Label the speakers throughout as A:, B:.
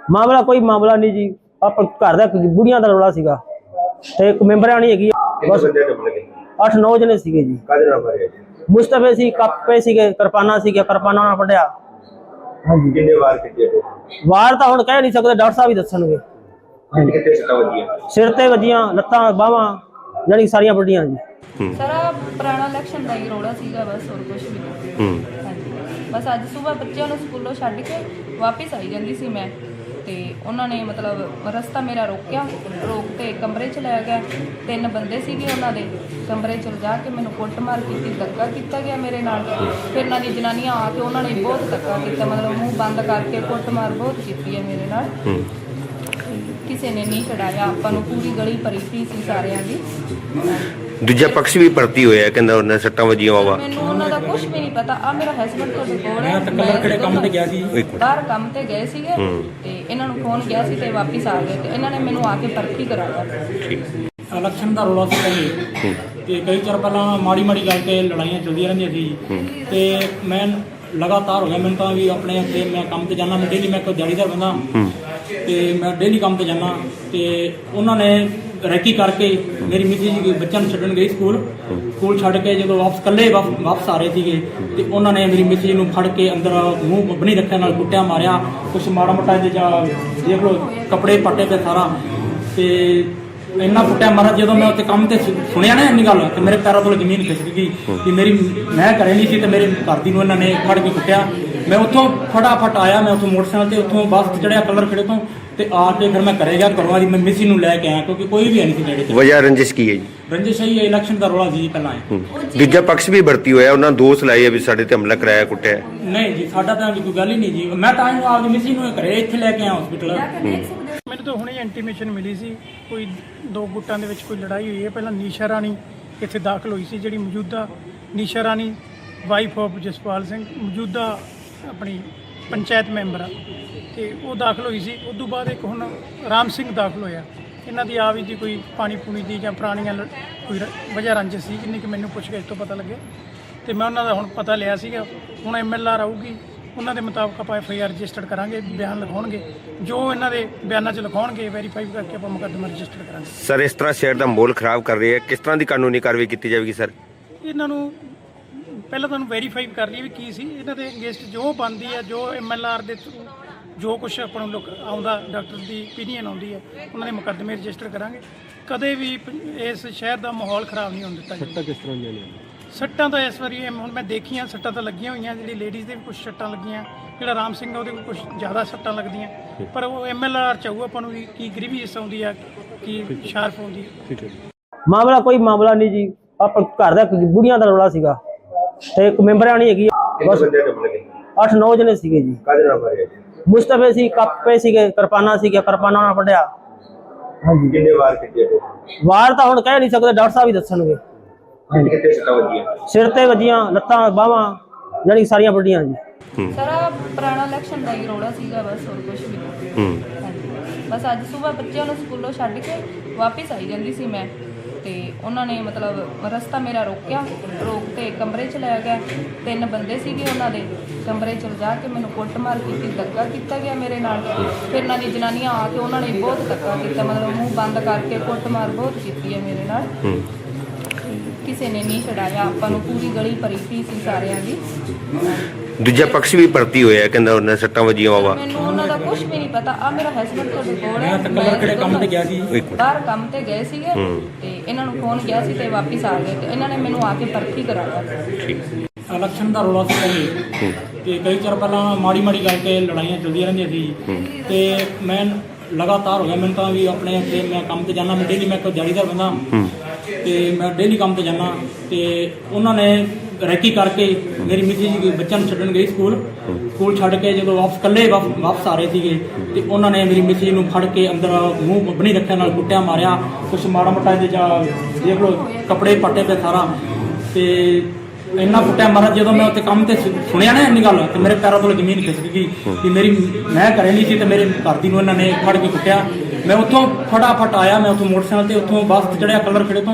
A: ਮਾਮਲਾ ਕੋਈ ਮਾਮਲਾ ਨਹੀਂ ਜੀ, ਆਪਾਂ ਘਰ ਦਾ ਬੁੜੀਆਂ ਦਾ ਰੌਲਾ ਸੀਗਾ ਤੇ ਇੱਕ ਮੈਂਬਰਾਣੀ ਹੈਗੀ ਬਸ 8-9 ਜਣੇ ਸੀਗੇ ਜੀ। ਮੁਸਤਫੇ ਸੀ, ਕਾਪੇ ਸੀਗੇ, ਕਿਰਪਾਨਾਂ ਸੀਗੇ, ਕਿਰਪਾਨਾਂ ਨਾਲ ਵੱਢਿਆ। ਹਾਂਜੀ
B: ਕਿੰਨੇ ਵਾਰ ਕੀਤੇ
A: ਵਾਰ ਤਾਂ ਹੁਣ ਕਹਿ ਨਹੀਂ ਸਕਦੇ, ਡਾਕਟਰ ਸਾਹਿਬ ਹੀ ਦੱਸਣਗੇ।
B: ਕਿੱਥੇ ਸੱਟਾਂ ਵੱਜੀਆਂ?
A: ਸਿਰ ਤੇ ਵੱਜੀਆਂ, ਲੱਤਾਂ ਬਾਹਾਂ ਜਾਨੀ ਸਾਰੀਆਂ ਵੱਡੀਆਂ ਜੀ।
C: ਸਾਰਾ ਪੁਰਾਣਾ ਇਲੈਕਸ਼ਨ ਦਾ ਹੀ ਰੌਲਾ ਸੀਗਾ ਬਸ, ਹੋਰ ਕੁਝ ਨਹੀਂ। ਹਾਂਜੀ ਬਸ ਅੱਜ ਸਵੇਰ ਬੱਚਿਆਂ ਨੂੰ ਸਕੂਲੋਂ ਛੱਡ ਕੇ ਵਾਪਸ ਆਈ ਜਾਂਦੀ ਸੀ ਮੈਂ, ਤੇ ਉਹਨਾਂ ਨੇ ਮਤਲਬ ਰਸਤਾ ਮੇਰਾ ਰੋਕ ਤੇ ਕਮਰੇ 'ਚ ਲੈ ਗਿਆ। 3 ਬੰਦੇ ਸੀਗੇ, ਉਹਨਾਂ ਦੇ ਕਮਰੇ 'ਚ ਲਿਜਾ ਕੇ ਮੈਨੂੰ ਕੁੱਟਮਾਰ ਕੀਤੀ, ਧੱਕਾ ਕੀਤਾ ਗਿਆ ਮੇਰੇ ਨਾਲ। ਫਿਰ ਇਹਨਾਂ ਦੀ ਜਨਾਨੀਆਂ ਆ ਕੇ ਉਹਨਾਂ ਨੇ ਬਹੁਤ ਧੱਕਾ ਕੀਤਾ, ਮਤਲਬ ਮੂੰਹ ਬੰਦ ਕਰਕੇ ਕੁੱਟਮਾਰ ਬਹੁਤ ਕੀਤੀ ਹੈ ਮੇਰੇ ਨਾਲ। ਕਿਸੇ ਨੇ ਨਹੀਂ ਛਡਾਇਆ, ਆਪਾਂ ਨੂੰ ਪੂਰੀ ਗਲੀ ਭਰੀ ਪਈ ਸੀ ਸਾਰਿਆਂ ਦੀ।
D: ਦੂਜਾ ਪਕਸ਼ ਵੀ ਭਰਤੀ ਹੋਇਆ, ਕਹਿੰਦਾ ਉਹਨਾਂ ਸੱਟਾਂ ਵੱਜੀਆਂ ਵਾ।
C: ਮੈਨੂੰ ਉਹਨਾਂ ਦਾ ਕੁਝ ਵੀ ਨਹੀਂ ਪਤਾ। ਆ ਮੇਰਾ ਹਸਬੰਡ ਤੁਹਾਡੇ ਕੋਲ ਹੈ,
E: ਮੈਂ ਕੰਮ ਤੇ ਗਿਆ ਸੀ,
C: ਬਾਹਰ ਕੰਮ ਤੇ ਗਏ ਸੀਗੇ ਤੇ ਇਹਨਾਂ ਨੂੰ ਫੋਨ ਗਿਆ ਸੀ ਤੇ ਵਾਪਸ ਆ ਗਏ ਤੇ ਇਹਨਾਂ ਨੇ ਮੈਨੂੰ ਆ ਕੇ ਭਰਤੀ ਕਰਾਇਆ।
E: ਇਲੈਕਸ਼ਨ ਦਾ ਰੌਲਾ ਸੀ ਪਹਿਲੇ, ਤੇ ਕਈ ਚਿਰ ਪਹਿਲਾਂ ਮਾੜੀ ਗੱਲ ਤੇ ਲੜਾਈਆਂ ਚੱਲਦੀਆਂ ਰਹਿੰਦੀਆਂ ਸੀ। ਤੇ ਮੈਂ ਲਗਾਤਾਰ ਹੋ ਗਿਆ ਮੈਨੂੰ ਤਾਂ ਵੀ ਆਪਣੇ ਉੱਤੇ ਮੈਂ ਕੰਮ ਤੇ ਜਾਣਾ, ਮੈਂ ਡੇਲੀ, ਮੈਂ ਕੋਈ ਦਿਹਾੜੀਦਾਰ ਬੰਦਾ ਤੇ ਮੈਂ ਡੇਲੀ ਕੰਮ ਤੇ ਜਾਣਾ। ਤੇ ਉਹਨਾਂ ਨੇ ਰੈਕੀ ਕਰਕੇ ਮੇਰੀ ਮਿਸੀ ਜੀ ਬੱਚਿਆਂ ਨੂੰ ਛੱਡਣ ਗਈ ਸਕੂਲ ਛੱਡ ਕੇ ਜਦੋਂ ਇਕੱਲੇ ਵਾਪਸ ਆ ਰਹੇ ਸੀਗੇ ਤੇ ਉਹਨਾਂ ਨੇ ਮੇਰੀ ਮਿਸੀ ਨੂੰ ਫੜ ਕੇ ਅੰਦਰ ਮੂੰਹ ਬੰਨੀ ਰੱਖਿਆ, ਨਾਲ ਕੁੱਟਿਆ ਮਾਰਿਆ, ਕੁਛ ਮਾੜਾ ਮੋਟਾ ਇਹਦੇ ਜਾਂ ਦੇਖ ਲਓ ਕੱਪੜੇ ਪੱਟੇ ਤੇ ਸਾਰਾ। ਤੇ ਇੰਨਾ ਕੁੱਟਿਆ ਮਾਰਾ, ਜਦੋਂ ਮੈਂ ਉੱਥੇ ਕੰਮ ਤੇ ਸੁਣਿਆ ਨਾ ਇੰਨੀ ਗੱਲ ਤੇ ਮੇਰੇ ਪੈਰਾਂ ਤੋਂ ਜ਼ਮੀਨ ਖਿਸਕ ਗਈ ਕਿ ਮੈਂ ਘਰੇ ਨਹੀਂ ਸੀ ਤੇ ਮੇਰੇ ਘਰ ਦੀ ਨੂੰ ਇਹਨਾਂ ਨੇ ਫੜ ਕੇ ਕੁੱਟਿਆ। ਮੈਂ ਉੱਥੋਂ ਫਟਾਫਟ ਆਇਆ, ਮੈਂ ਉੱਥੋਂ ਮੋਟਰਸਾਈਕਲ ਤੇ ਉੱਥੋਂ ਬੱਸ ਚੜਿਆ ਕਲਰ ਖੜੇ ਤੋਂ, ਤੇ ਆ ਕੇ ਫਿਰ ਮੈਂ ਘਰੇ ਗਿਆ। ਘਰੋਂ ਦੀ ਮੈਂ ਮਿਸੀ ਨੂੰ ਲੈ ਕੇ ਆਇਆ ਕਿਉਂਕਿ ਕੋਈ ਵੀ ਹੈ ਨਹੀਂ ਸੀ ਨੇੜੇ।
D: ਵਜ੍ਹਾ ਰੰਜਿਸ਼ ਕੀ ਹੈ ਜੀ?
E: ਰੰਜਿਸ਼ ਹੀ ਇਲੈਕਸ਼ਨ ਦਾ ਰੌਲਾ ਸੀ ਪਹਿਲਾਂ।
D: ਦੂਜਾ ਪਕਸ਼ ਵੀ ਭਰਤੀ ਹੋਇਆ, ਉਹਨਾਂ ਦੋਸ਼ ਲਾਏ ਆ ਵੀ ਸਾਡੇ ਤੇ ਹਮਲਾ ਕਰਾਇਆ, ਕੁੱਟਿਆ।
E: ਨਹੀਂ ਜੀ, ਸਾਡਾ ਤਾਂ ਕੋਈ ਗੱਲ ਹੀ ਨਹੀਂ ਜੀ। ਮੈਂ ਤਾਂ ਆਪਦੀ ਮਿਸੀ ਨੂੰ ਘਰੇ ਇੱਥੇ ਲੈ ਕੇ ਆਇਆ ਹਸਪੀਟਲ।
F: ਮੈਨੂੰ ਤਾਂ ਹੁਣੇ ਇੰਟੀਮੇਸ਼ਨ ਮਿਲੀ ਸੀ ਕੋਈ 2 ਗੁੱਟਾਂ ਦੇ ਵਿੱਚ ਕੋਈ ਲੜਾਈ ਹੋਈ ਹੈ। ਪਹਿਲਾਂ ਨੀਸ਼ਾ ਰਾਣੀ ਇੱਥੇ ਦਾਖਲ ਹੋਈ ਸੀ, ਜਿਹੜੀ ਮੌਜੂਦਾ ਨੀਸ਼ਾ ਰਾਣੀ ਵਾਈਫ ਆਫ ਜਸਪਾਲ ਸਿੰਘ, ਮੌਜੂਦਾ ਆਪਣੀ ਪੰਚਾਇਤ ਮੈਂਬਰ ਆ, ਤੇ ਉਹ ਦਾਖਲ ਹੋਈ ਸੀ। ਉਸ ਤੋਂ ਬਾਅਦ ਇੱਕ ਹੁਣ ਰਾਮ ਸਿੰਘ ਦਾਖਲ ਹੋਇਆ। ਇਹਨਾਂ ਦੀ ਆਪ ਜੀ ਕੋਈ ਪਾਣੀ ਪੂਣੀ ਦੀ ਜਾਂ ਪੁਰਾਣੀਆਂ ਕੋਈ ਵਜ੍ਹਾ ਰੰਜਿਸ਼ ਸੀ, ਜਿੰਨੀ ਕਿ ਮੈਨੂੰ ਪੁੱਛ ਕੇ ਇਸ ਤੋਂ ਪਤਾ ਲੱਗਿਆ। ਤੇ ਮੈਂ ਉਹਨਾਂ ਦਾ ਹੁਣ ਪਤਾ ਲਿਆ ਸੀਗਾ। ਹੁਣ MLR ਆਊਗੀ, ਉਹਨਾਂ ਦੇ ਮੁਤਾਬਕ ਆਪਾਂ FIR ਰਜਿਸਟਰ ਕਰਾਂਗੇ, ਬਿਆਨ ਲਿਖਾਉਣਗੇ, ਜੋ ਇਹਨਾਂ ਦੇ ਬਿਆਨਾਂ 'ਚ ਲਿਖਾਉਣਗੇ ਵੈਰੀਫਾਈ ਕਰਕੇ ਆਪਾਂ ਮੁਕੱਦਮਾ ਰਜਿਸਟਰ ਕਰਾਂਗੇ।
D: ਸਰ, ਇਸ ਤਰ੍ਹਾਂ ਸ਼ਹਿਰ ਦਾ ਮਾਹੌਲ ਖਰਾਬ ਕਰ ਰਹੇ ਆ, ਕਿਸ ਤਰ੍ਹਾਂ ਦੀ ਕਾਨੂੰਨੀ ਕਾਰਵਾਈ ਕੀਤੀ ਜਾਵੇਗੀ ਸਰ?
F: ਇਹਨਾਂ ਨੂੰ ਪਹਿਲਾਂ ਤੁਹਾਨੂੰ ਵੈਰੀਫਾਈ ਕਰ ਲਈਏ ਵੀ ਕੀ ਸੀ ਇਹਨਾਂ ਦੇ ਅਗੇਂਸਟ ਜੋ ਬਣਦੀ ਹੈ, ਜੋ MLR ਦੇ ਥਰੂ ਜੋ ਕੁਛ ਆਪਾਂ ਨੂੰ ਆਉਂਦਾ, ਡਾਕਟਰ ਦੀ ਓਪੀਨੀਅਨ ਆਉਂਦੀ ਹੈ, ਉਹਨਾਂ ਦੇ ਮੁਕੱਦਮੇ ਰਜਿਸਟਰ ਕਰਾਂਗੇ। ਕਦੇ ਵੀ ਇਸ ਸ਼ਹਿਰ ਦਾ ਮਾਹੌਲ ਖਰਾਬ ਨਹੀਂ ਹੋਣ ਦਿੱਤਾ ਜੀ।
B: ਸੱਟਾਂ ਕਿਸ ਤਰ੍ਹਾਂ ਦੀਆਂ ਨੇ?
F: ਸੱਟਾਂ ਤਾਂ ਇਸ ਵਾਰੀ ਹੁਣ ਮੈਂ ਦੇਖੀਆਂ, ਸੱਟਾਂ ਤਾਂ ਲੱਗੀਆਂ ਹੋਈਆਂ। ਜਿਹੜੀ ਲੇਡੀਜ਼ ਦੇ ਵੀ ਕੁਝ ਸੱਟਾਂ ਲੱਗੀਆਂ, ਜਿਹੜਾ ਰਾਮ ਸਿੰਘ ਆ ਉਹਦੇ ਕੋਲ ਕੁਝ ਜ਼ਿਆਦਾ ਸੱਟਾਂ ਲੱਗਦੀਆਂ, ਪਰ ਉਹ MLR ਚਾਹੂ ਆਪਾਂ ਨੂੰ ਵੀ ਕੀ ਗ੍ਰੀਵੀਅਸ ਆਉਂਦੀ ਆ, ਕੀ ਸ਼ਾਰਪ ਆਉਂਦੀ ਹੈ।
B: ਠੀਕ ਹੈ।
A: ਮਾਮਲਾ ਕੋਈ ਮਾਮਲਾ ਨਹੀਂ ਜੀ, ਆਪਾਂ ਘਰ ਦਾ ਬੁੜੀਆਂ ਦਾ ਰੌਲਾ ਸੀਗਾ ਤੇ ਇੱਕ ਮੈਂਬਰਾਣੀ ਹੈਗੀ ਬਸ 8-9 ਜਣੇ ਸੀਗੇ ਜੀ। ਮੁਸਤਫੇ ਸੀ, ਕਾਪੇ ਸੀਗੇ, ਕਿਰਪਾਨਾਂ ਸੀਗੇ, ਕਿਰਪਾਨਾਂ ਨਾਲ ਵੱਢਿਆ। ਹਾਂਜੀ
B: ਕਿੰਨੇ ਵਾਰ ਕੀਤੇ
A: ਵਾਰ ਤਾਂ ਹੁਣ ਕਹਿ ਨਹੀਂ ਸਕਦੇ, ਡਾਕਟਰ ਸਾਹਿਬ ਹੀ ਦੱਸਣਗੇ।
B: ਕਿੱਥੇ ਸੱਟਾਂ ਵੱਜੀਆਂ?
A: ਸਿਰ ਤੇ ਵੱਜੀਆਂ, ਲੱਤਾਂ ਬਾਹਾਂ ਜਾਨੀ ਸਾਰੀਆਂ ਵੱਡੀਆਂ ਜੀ।
C: ਸਾਰਾ ਪੁਰਾਣਾ ਇਲੈਕਸ਼ਨ ਦਾ ਹੀ ਰੌਲਾ ਸੀਗਾ ਬਸ, ਹੋਰ ਕੁਝ ਨਹੀਂ। ਹਾਂਜੀ ਬਸ ਅੱਜ ਸਵੇਰ ਬੱਚਿਆਂ ਨੂੰ ਸਕੂਲੋਂ ਛੱਡ ਕੇ ਵਾਪਸ ਆਈ ਜਾਂਦੀ ਸੀ ਮੈਂ, ਤੇ ਉਹਨਾਂ ਨੇ ਮਤਲਬ ਰਸਤਾ ਮੇਰਾ ਰੋਕ ਤੇ ਕਮਰੇ 'ਚ ਲੈ ਗਿਆ। 3 ਬੰਦੇ ਸੀਗੇ, ਉਹਨਾਂ ਦੇ ਕਮਰੇ 'ਚ ਲਿਜਾ ਕੇ ਮੈਨੂੰ ਕੁੱਟਮਾਰ ਕੀਤੀ, ਧੱਕਾ ਕੀਤਾ ਗਿਆ ਮੇਰੇ ਨਾਲ। ਫਿਰ ਇਹਨਾਂ ਦੀ ਜਨਾਨੀਆਂ ਆ ਕੇ ਉਹਨਾਂ ਨੇ ਬਹੁਤ ਧੱਕਾ ਕੀਤਾ, ਮਤਲਬ ਮੂੰਹ ਬੰਦ ਕਰਕੇ ਕੁੱਟਮਾਰ ਬਹੁਤ ਕੀਤੀ ਹੈ ਮੇਰੇ ਨਾਲ। ਕਿਸੇ ਨੇ ਨਹੀਂ ਛਡਾਇਆ, ਆਪਾਂ ਨੂੰ ਪੂਰੀ ਗਲੀ ਭਰੀ ਪਈ ਸੀ ਸਾਰਿਆਂ ਦੀ।
D: ਦੂਜਾ ਪਕਸ਼ ਵੀ ਭਰਤੀ ਹੋਇਆ, ਕਹਿੰਦਾ ਉਹਨਾਂ ਸੱਟਾਂ ਵੱਜੀਆਂ ਵਾ।
C: ਮੈਨੂੰ ਉਹਨਾਂ ਦਾ ਕੁਝ ਵੀ ਨਹੀਂ ਪਤਾ। ਆ ਮੇਰਾ ਹਸਬੰਡ ਤੁਹਾਡੇ ਕੋਲ ਹੈ,
E: ਮੈਂ ਕੰਮ ਤੇ ਗਿਆ ਸੀ,
C: ਬਾਹਰ ਕੰਮ ਤੇ ਗਏ ਸੀਗੇ ਤੇ ਇਹਨਾਂ ਨੂੰ ਫੋਨ ਗਿਆ ਸੀ ਤੇ ਵਾਪਸ ਆ ਗਏ ਤੇ ਇਹਨਾਂ ਨੇ ਮੈਨੂੰ ਆ ਕੇ ਭਰਤੀ ਕਰਾਇਆ।
E: ਇਲੈਕਸ਼ਨ ਦਾ ਰੌਲਾ ਸੀ ਪਹਿਲੇ, ਤੇ ਕਈ ਚਿਰ ਪਹਿਲਾਂ ਮਾੜੀ ਗੱਲ ਤੇ ਲੜਾਈਆਂ ਚੱਲਦੀਆਂ ਰਹਿੰਦੀਆਂ ਸੀ। ਤੇ ਮੈਂ ਲਗਾਤਾਰ ਹੋ ਗਿਆ ਮੈਨੂੰ ਤਾਂ ਵੀ ਆਪਣੇ ਉੱਤੇ ਮੈਂ ਕੰਮ ਤੇ ਜਾਣਾ, ਮੈਂ ਡੇਲੀ, ਮੈਂ ਕੋਈ ਦਿਹਾੜੀਦਾਰ ਬੰਦਾ ਤੇ ਮੈਂ ਡੇਲੀ ਕੰਮ ਤੇ ਜਾਣਾ। ਤੇ ਉਹਨਾਂ ਨੇ ਰੈਕੀ ਕਰਕੇ ਮੇਰੀ ਮਿਸੀ ਜੀ ਬੱਚਿਆਂ ਨੂੰ ਛੱਡਣ ਗਈ ਸਕੂਲ ਛੱਡ ਕੇ ਜਦੋਂ ਇਕੱਲੇ ਵਾਪਸ ਆ ਰਹੇ ਸੀਗੇ ਤੇ ਉਹਨਾਂ ਨੇ ਮੇਰੀ ਮਿਸੀ ਨੂੰ ਫੜ ਕੇ ਅੰਦਰ ਮੂੰਹ ਬੰਨੀ ਰੱਖਿਆ, ਨਾਲ ਕੁੱਟਿਆ ਮਾਰਿਆ, ਕੁਛ ਮਾੜਾ ਮੋਟਾ ਇਹਦੇ ਜਾਂ ਦੇਖ ਲਓ ਕੱਪੜੇ ਪੱਟੇ ਤੇ ਸਾਰਾ। ਤੇ ਇੰਨਾ ਕੁੱਟਿਆ ਮਾਰਾ, ਜਦੋਂ ਮੈਂ ਉੱਥੇ ਕੰਮ ਤੇ ਸੁਣਿਆ ਨਾ ਇੰਨੀ ਗੱਲ ਤੇ ਮੇਰੇ ਪੈਰਾਂ ਤੋਂ ਜ਼ਮੀਨ ਖਿਸਕ ਗਈ ਕਿ ਮੈਂ ਘਰੇ ਨਹੀਂ ਸੀ ਤੇ ਮੇਰੇ ਘਰ ਦੀ ਨੂੰ ਇਹਨਾਂ ਨੇ ਫੜ ਕੇ ਕੁੱਟਿਆ। ਮੈਂ ਉੱਥੋਂ ਫਟਾਫਟ ਆਇਆ, ਮੈਂ ਉੱਥੋਂ ਮੋਟਰਸਾਈਕਲ ਤੇ ਉੱਥੋਂ ਬੱਸ ਚੜਿਆ ਕਲਰ ਖੜੇ ਤੋਂ,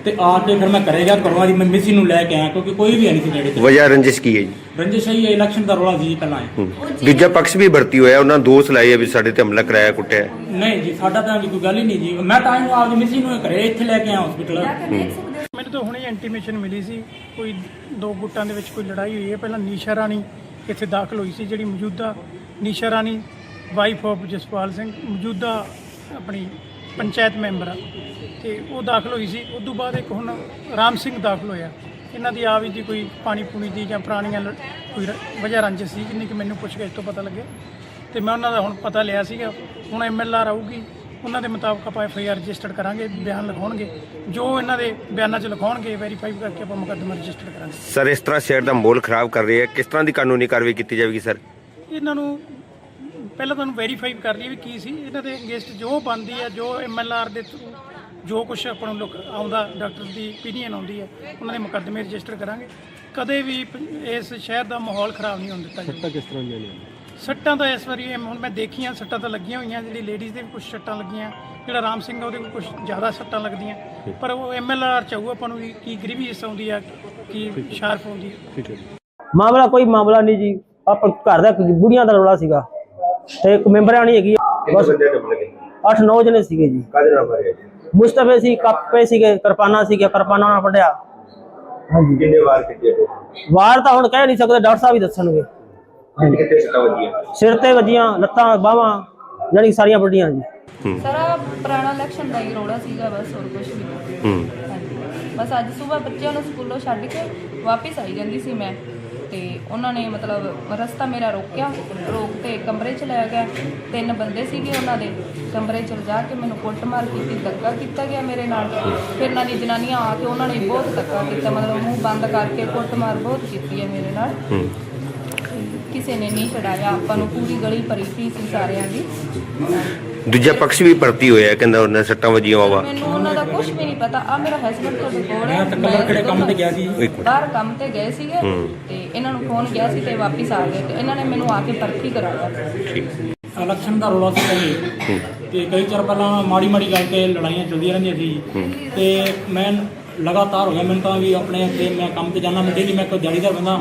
E: ਤੇ ਆ ਕੇ ਫਿਰ ਮੈਂ ਘਰੇ ਗਿਆ, ਘਰੋਂ ਦੀ ਮੈਂ ਮਿਸੀ ਨੂੰ ਲੈ ਕੇ ਆਇਆ ਕਿਉਂਕਿ ਕੋਈ ਵੀ ਨਹੀਂ ਸੀ ਨੇੜੇ ਤੇ।
D: ਵਜ੍ਹਾ ਰੰਜਿਸ਼ ਕੀ ਹੈ ਜੀ?
E: ਰੰਜਿਸ਼ ਹੀ ਇਲੈਕਸ਼ਨ ਦਾ ਰੌਲਾ ਸੀ ਜੀ ਪਹਿਲਾਂ ਇਹ।
D: ਦੂਜਾ ਪਕਸ਼ ਵੀ ਭਰਤੀ ਹੋਇਆ, ਉਹਨਾਂ ਦੋਸ਼ ਲਾਏ ਆ ਵੀ ਸਾਡੇ ਤੇ ਹਮਲਾ ਕਰਾਇਆ, ਕੁੱਟਿਆ।
E: ਨਹੀਂ ਜੀ, ਸਾਡਾ ਤਾਂ ਕੋਈ ਗੱਲ ਹੀ ਨਹੀਂ ਜੀ। ਮੈਂ ਤਾਂ ਹੀ ਆਪਦੀ ਮਿਸੀ ਨੂੰ ਘਰੇ ਇੱਥੇ ਲੈ ਕੇ ਆਇਆ ਹਸਪੀਟਲ।
F: ਮੈਨੂੰ ਤਾਂ ਹੁਣੇ ਇੰਟੀਮੇਸ਼ਨ ਮਿਲੀ ਸੀ ਕੋਈ ਦੋ ਗੁੱਟਾਂ ਦੇ ਵਿੱਚ ਕੋਈ ਲੜਾਈ ਹੋਈ ਹੈ। ਪਹਿਲਾਂ ਨੀਸ਼ਾ ਰਾਣੀ ਇੱਥੇ ਦਾਖਲ ਹੋਈ ਸੀ, ਜਿਹੜੀ ਮੌਜੂਦਾ ਨੀਸ਼ਾ ਰਾਣੀ ਵਾਈਫ ਆਫ ਜਸਪਾਲ ਸਿੰਘ, ਮੌਜੂਦਾ ਆਪਣੀ ਪੰਚਾਇਤ ਮੈਂਬਰ ਆ, ਤੇ ਉਹ ਦਾਖਲ ਹੋਈ ਸੀ। ਉਸ ਤੋਂ ਬਾਅਦ ਇੱਕ ਹੁਣ ਰਾਮ ਸਿੰਘ ਦਾਖਲ ਹੋਇਆ। ਇਹਨਾਂ ਦੀ ਆਪ ਦੀ ਕੋਈ ਪਾਣੀ ਪੂਣੀ ਦੀ ਜਾਂ ਪੁਰਾਣੀਆਂ ਕੋਈ ਵਜ੍ਹਾ ਰੰਜਿਸ਼ ਸੀ, ਜਿੰਨੀ ਕਿ ਮੈਨੂੰ ਪੁੱਛ ਕੇ ਇਸ ਤੋਂ ਪਤਾ ਲੱਗਿਆ। ਤੇ ਮੈਂ ਉਹਨਾਂ ਦਾ ਹੁਣ ਪਤਾ ਲਿਆ ਸੀਗਾ। ਹੁਣ MLR ਆਊਗੀ, ਉਹਨਾਂ ਦੇ ਮੁਤਾਬਕ ਆਪਾਂ FIR ਰਜਿਸਟਰ ਕਰਾਂਗੇ, ਬਿਆਨ ਲਿਖਾਉਣਗੇ। ਜੋ ਇਹਨਾਂ ਦੇ ਬਿਆਨਾਂ 'ਚ ਲਿਖਾਉਣਗੇ ਵੈਰੀਫਾਈ ਕਰਕੇ ਆਪਾਂ ਮੁਕੱਦਮਾ ਰਜਿਸਟਰ ਕਰਾਂਗੇ।
D: ਸਰ, ਇਸ ਤਰ੍ਹਾਂ ਸ਼ਹਿਰ ਦਾ ਮਾਹੌਲ ਖਰਾਬ ਕਰ ਰਹੇ ਆ, ਕਿਸ ਤਰ੍ਹਾਂ ਦੀ ਕਾਨੂੰਨੀ ਕਾਰਵਾਈ ਕੀਤੀ ਜਾਵੇਗੀ ਸਰ?
F: ਇਹਨਾਂ ਨੂੰ ਪਹਿਲਾਂ ਤੁਹਾਨੂੰ ਵੈਰੀਫਾਈ ਕਰ ਲਈ ਵੀ ਕੀ ਸੀ ਇਹਨਾਂ ਦੇ ਅਗੇਂਸਟ ਜੋ ਬਣਦੀ ਹੈ, ਜੋ MLR ਦੇ ਥਰੂ ਜੋ ਕੁਝ ਆਪਾਂ ਨੂੰ ਆਉਂਦਾ, ਡਾਕਟਰ ਦੀ ਓਪੀਨੀਅਨ ਆਉਂਦੀ ਹੈ, ਉਹਨਾਂ ਦੇ ਮੁਕੱਦਮੇ ਰਜਿਸਟਰ ਕਰਾਂਗੇ। ਕਦੇ ਵੀ ਇਸ ਸ਼ਹਿਰ ਦਾ ਮਾਹੌਲ ਖਰਾਬ ਨਹੀਂ ਹੋਣ ਦਿੱਤਾ ਜੀ।
B: ਸੱਟਾਂ ਕਿਸ ਤਰ੍ਹਾਂ ਦੀਆਂ ਨੇ?
F: ਸੱਟਾਂ ਤਾਂ ਇਸ ਵਾਰੀ ਹੁਣ ਮੈਂ ਦੇਖੀਆਂ, ਸੱਟਾਂ ਤਾਂ ਲੱਗੀਆਂ ਹੋਈਆਂ। ਜਿਹੜੀ ਲੇਡੀਜ਼ ਦੇ ਵੀ ਕੁਝ ਸੱਟਾਂ ਲੱਗੀਆਂ, ਜਿਹੜਾ ਰਾਮ ਸਿੰਘ ਆ ਉਹਦੇ ਵੀ ਕੁਝ ਜ਼ਿਆਦਾ ਸੱਟਾਂ ਲੱਗਦੀਆਂ, ਪਰ ਉਹ MLR ਚਾਹੂ ਆਪਾਂ ਨੂੰ ਵੀ ਕੀ ਗ੍ਰੀਵੀਅਸ ਆਉਂਦੀ ਆ, ਕੀ ਸ਼ਾਰਪ ਆਉਂਦੀ ਹੈ।
B: ਠੀਕ ਹੈ।
A: ਮਾਮਲਾ ਕੋਈ ਮਾਮਲਾ ਨਹੀਂ ਜੀ, ਆਪਾਂ ਘਰ ਦਾ ਬੁੜੀਆਂ ਦਾ ਰੌਲਾ ਸੀਗਾ, ਤੇ ਇੱਕ ਮੈਂਬਰਾਂ ਨਹੀਂ ਹੈਗੀ, ਬਸ 8-9 ਜਣੇ ਸੀਗੇ ਜੀ।
B: ਕਾਹਦੇ ਨਾਲ ਮਾਰਿਆ ਜੀ?
A: ਮੁਸਤਫੇ ਸੀ, ਕਾਪੇ ਸੀਗੇ, ਕਿਰਪਾਨਾਂ ਸੀਗੇ, ਕਿਰਪਾਨਾਂ ਨਾਲ ਪੜਿਆ। ਹਾਂਜੀ,
B: ਕਿੰਨੇ ਵਾਰ ਕੀਤੇ?
A: ਵਾਰ ਤਾਂ ਹੁਣ ਕਹਿ ਨਹੀਂ ਸਕਦੇ, ਡਾਕਟਰ ਸਾਹਿਬ ਹੀ ਦੱਸਣਗੇ।
B: ਕਿੱਥੇ ਸੱਟਾਂ ਵੱਜੀਆਂ?
A: ਸਿਰ ਤੇ ਵੱਜੀਆਂ, ਲੱਤਾਂ ਬਾਹਾਂ ਜਾਨੀ ਸਾਰੀਆਂ ਵੱਡੀਆਂ ਜੀ।
C: ਸਾਰਾ ਪੁਰਾਣਾ ਇਲੈਕਸ਼ਨ ਦਾ ਹੀ ਰੌਲਾ ਸੀਗਾ, ਬਸ ਹੋਰ ਕੁਝ ਨਹੀਂ। ਹਾਂਜੀ, ਬਸ ਅੱਜ ਸਵੇਰ ਬੱਚਿਆਂ ਨੂੰ ਸਕੂਲੋਂ ਛੱਡ ਕੇ ਵਾਪਸ ਆਈ ਜਾਂਦੀ ਸੀ ਮੈਂ, ਤੇ ਉਹਨਾਂ ਨੇ ਮਤਲਬ ਰਸਤਾ ਮੇਰਾ ਰੋਕ ਤੇ ਕਮਰੇ 'ਚ ਲੈ ਗਿਆ। 3 ਬੰਦੇ ਸੀਗੇ, ਉਹਨਾਂ ਦੇ ਕਮਰੇ 'ਚ ਜਾ ਕੇ ਮੈਨੂੰ ਕੁੱਟਮਾਰ ਕੀਤੀ, ਧੱਕਾ ਕੀਤਾ ਗਿਆ ਮੇਰੇ ਨਾਲ। ਫਿਰ ਇਹਨਾਂ ਦੀ ਜਨਾਨੀਆਂ ਆ ਕੇ ਉਹਨਾਂ ਨੇ ਬਹੁਤ ਧੱਕਾ ਕੀਤਾ, ਮਤਲਬ ਮੂੰਹ ਬੰਦ ਕਰਕੇ ਕੁੱਟਮਾਰ ਬਹੁਤ ਕੀਤੀ ਹੈ ਮੇਰੇ ਨਾਲ। ਕਿਸੇ ਨੇ ਨਹੀਂ ਛਡਾਇਆ, ਆਪਾਂ ਨੂੰ ਪੂਰੀ ਗਲੀ ਭਰੀ ਪਈ ਸੀ ਸਾਰਿਆਂ ਦੀ।
D: ਦੂਜਾ ਪਕਸ਼ ਵੀ ਭਰਤੀ ਹੋਇਆ, ਕਹਿੰਦਾ ਉਹਨਾਂ ਸੱਟਾਂ ਵੱਜੀਆਂ ਵਾ।
C: ਮੈਨੂੰ ਉਹਨਾਂ ਦਾ ਕੁਝ ਵੀ ਨਹੀਂ ਪਤਾ। ਆ ਮੇਰਾ ਹਸਬੰਡ ਤੁਹਾਡੇ ਕੋਲ ਹੈ,
E: ਮੈਂ ਤਾਂ ਕਲਰ ਕਿਹੜੇ ਕੰਮ ਤੇ ਗਿਆ ਸੀ?
C: ਬਾਹਰ ਕੰਮ ਤੇ ਗਏ ਸੀਗੇ, ਤੇ ਇਹਨਾਂ ਨੂੰ ਫੋਨ ਗਿਆ ਸੀ ਤੇ ਵਾਪਸ ਆ ਗਏ, ਤੇ ਇਹਨਾਂ ਨੇ ਮੈਨੂੰ ਆ ਕੇ ਭਰਤੀ ਕਰਾਇਆ।
E: ਇਲੈਕਸ਼ਨ ਦਾ ਰੌਲਾ ਸੀ ਪਹਿਲੇ, ਤੇ ਕਈ ਚਿਰ ਪਹਿਲਾਂ ਮਾੜੀ ਗੱਲ ਤੇ ਲੜਾਈਆਂ ਚੱਲਦੀਆਂ ਰਹਿੰਦੀਆਂ ਸੀ। ਤੇ ਮੈਂ ਲਗਾਤਾਰ ਹੋ ਗਿਆ, ਮੈਨੂੰ ਤਾਂ ਵੀ ਆਪਣੇ ਇੱਥੇ ਮੈਂ ਕੰਮ ਤੇ ਜਾਣਾ, ਮੈਂ ਡੇਲੀ, ਮੈਂ ਕੋਈ ਦਿਹਾੜੀਦਾਰ ਬੰਦਾ,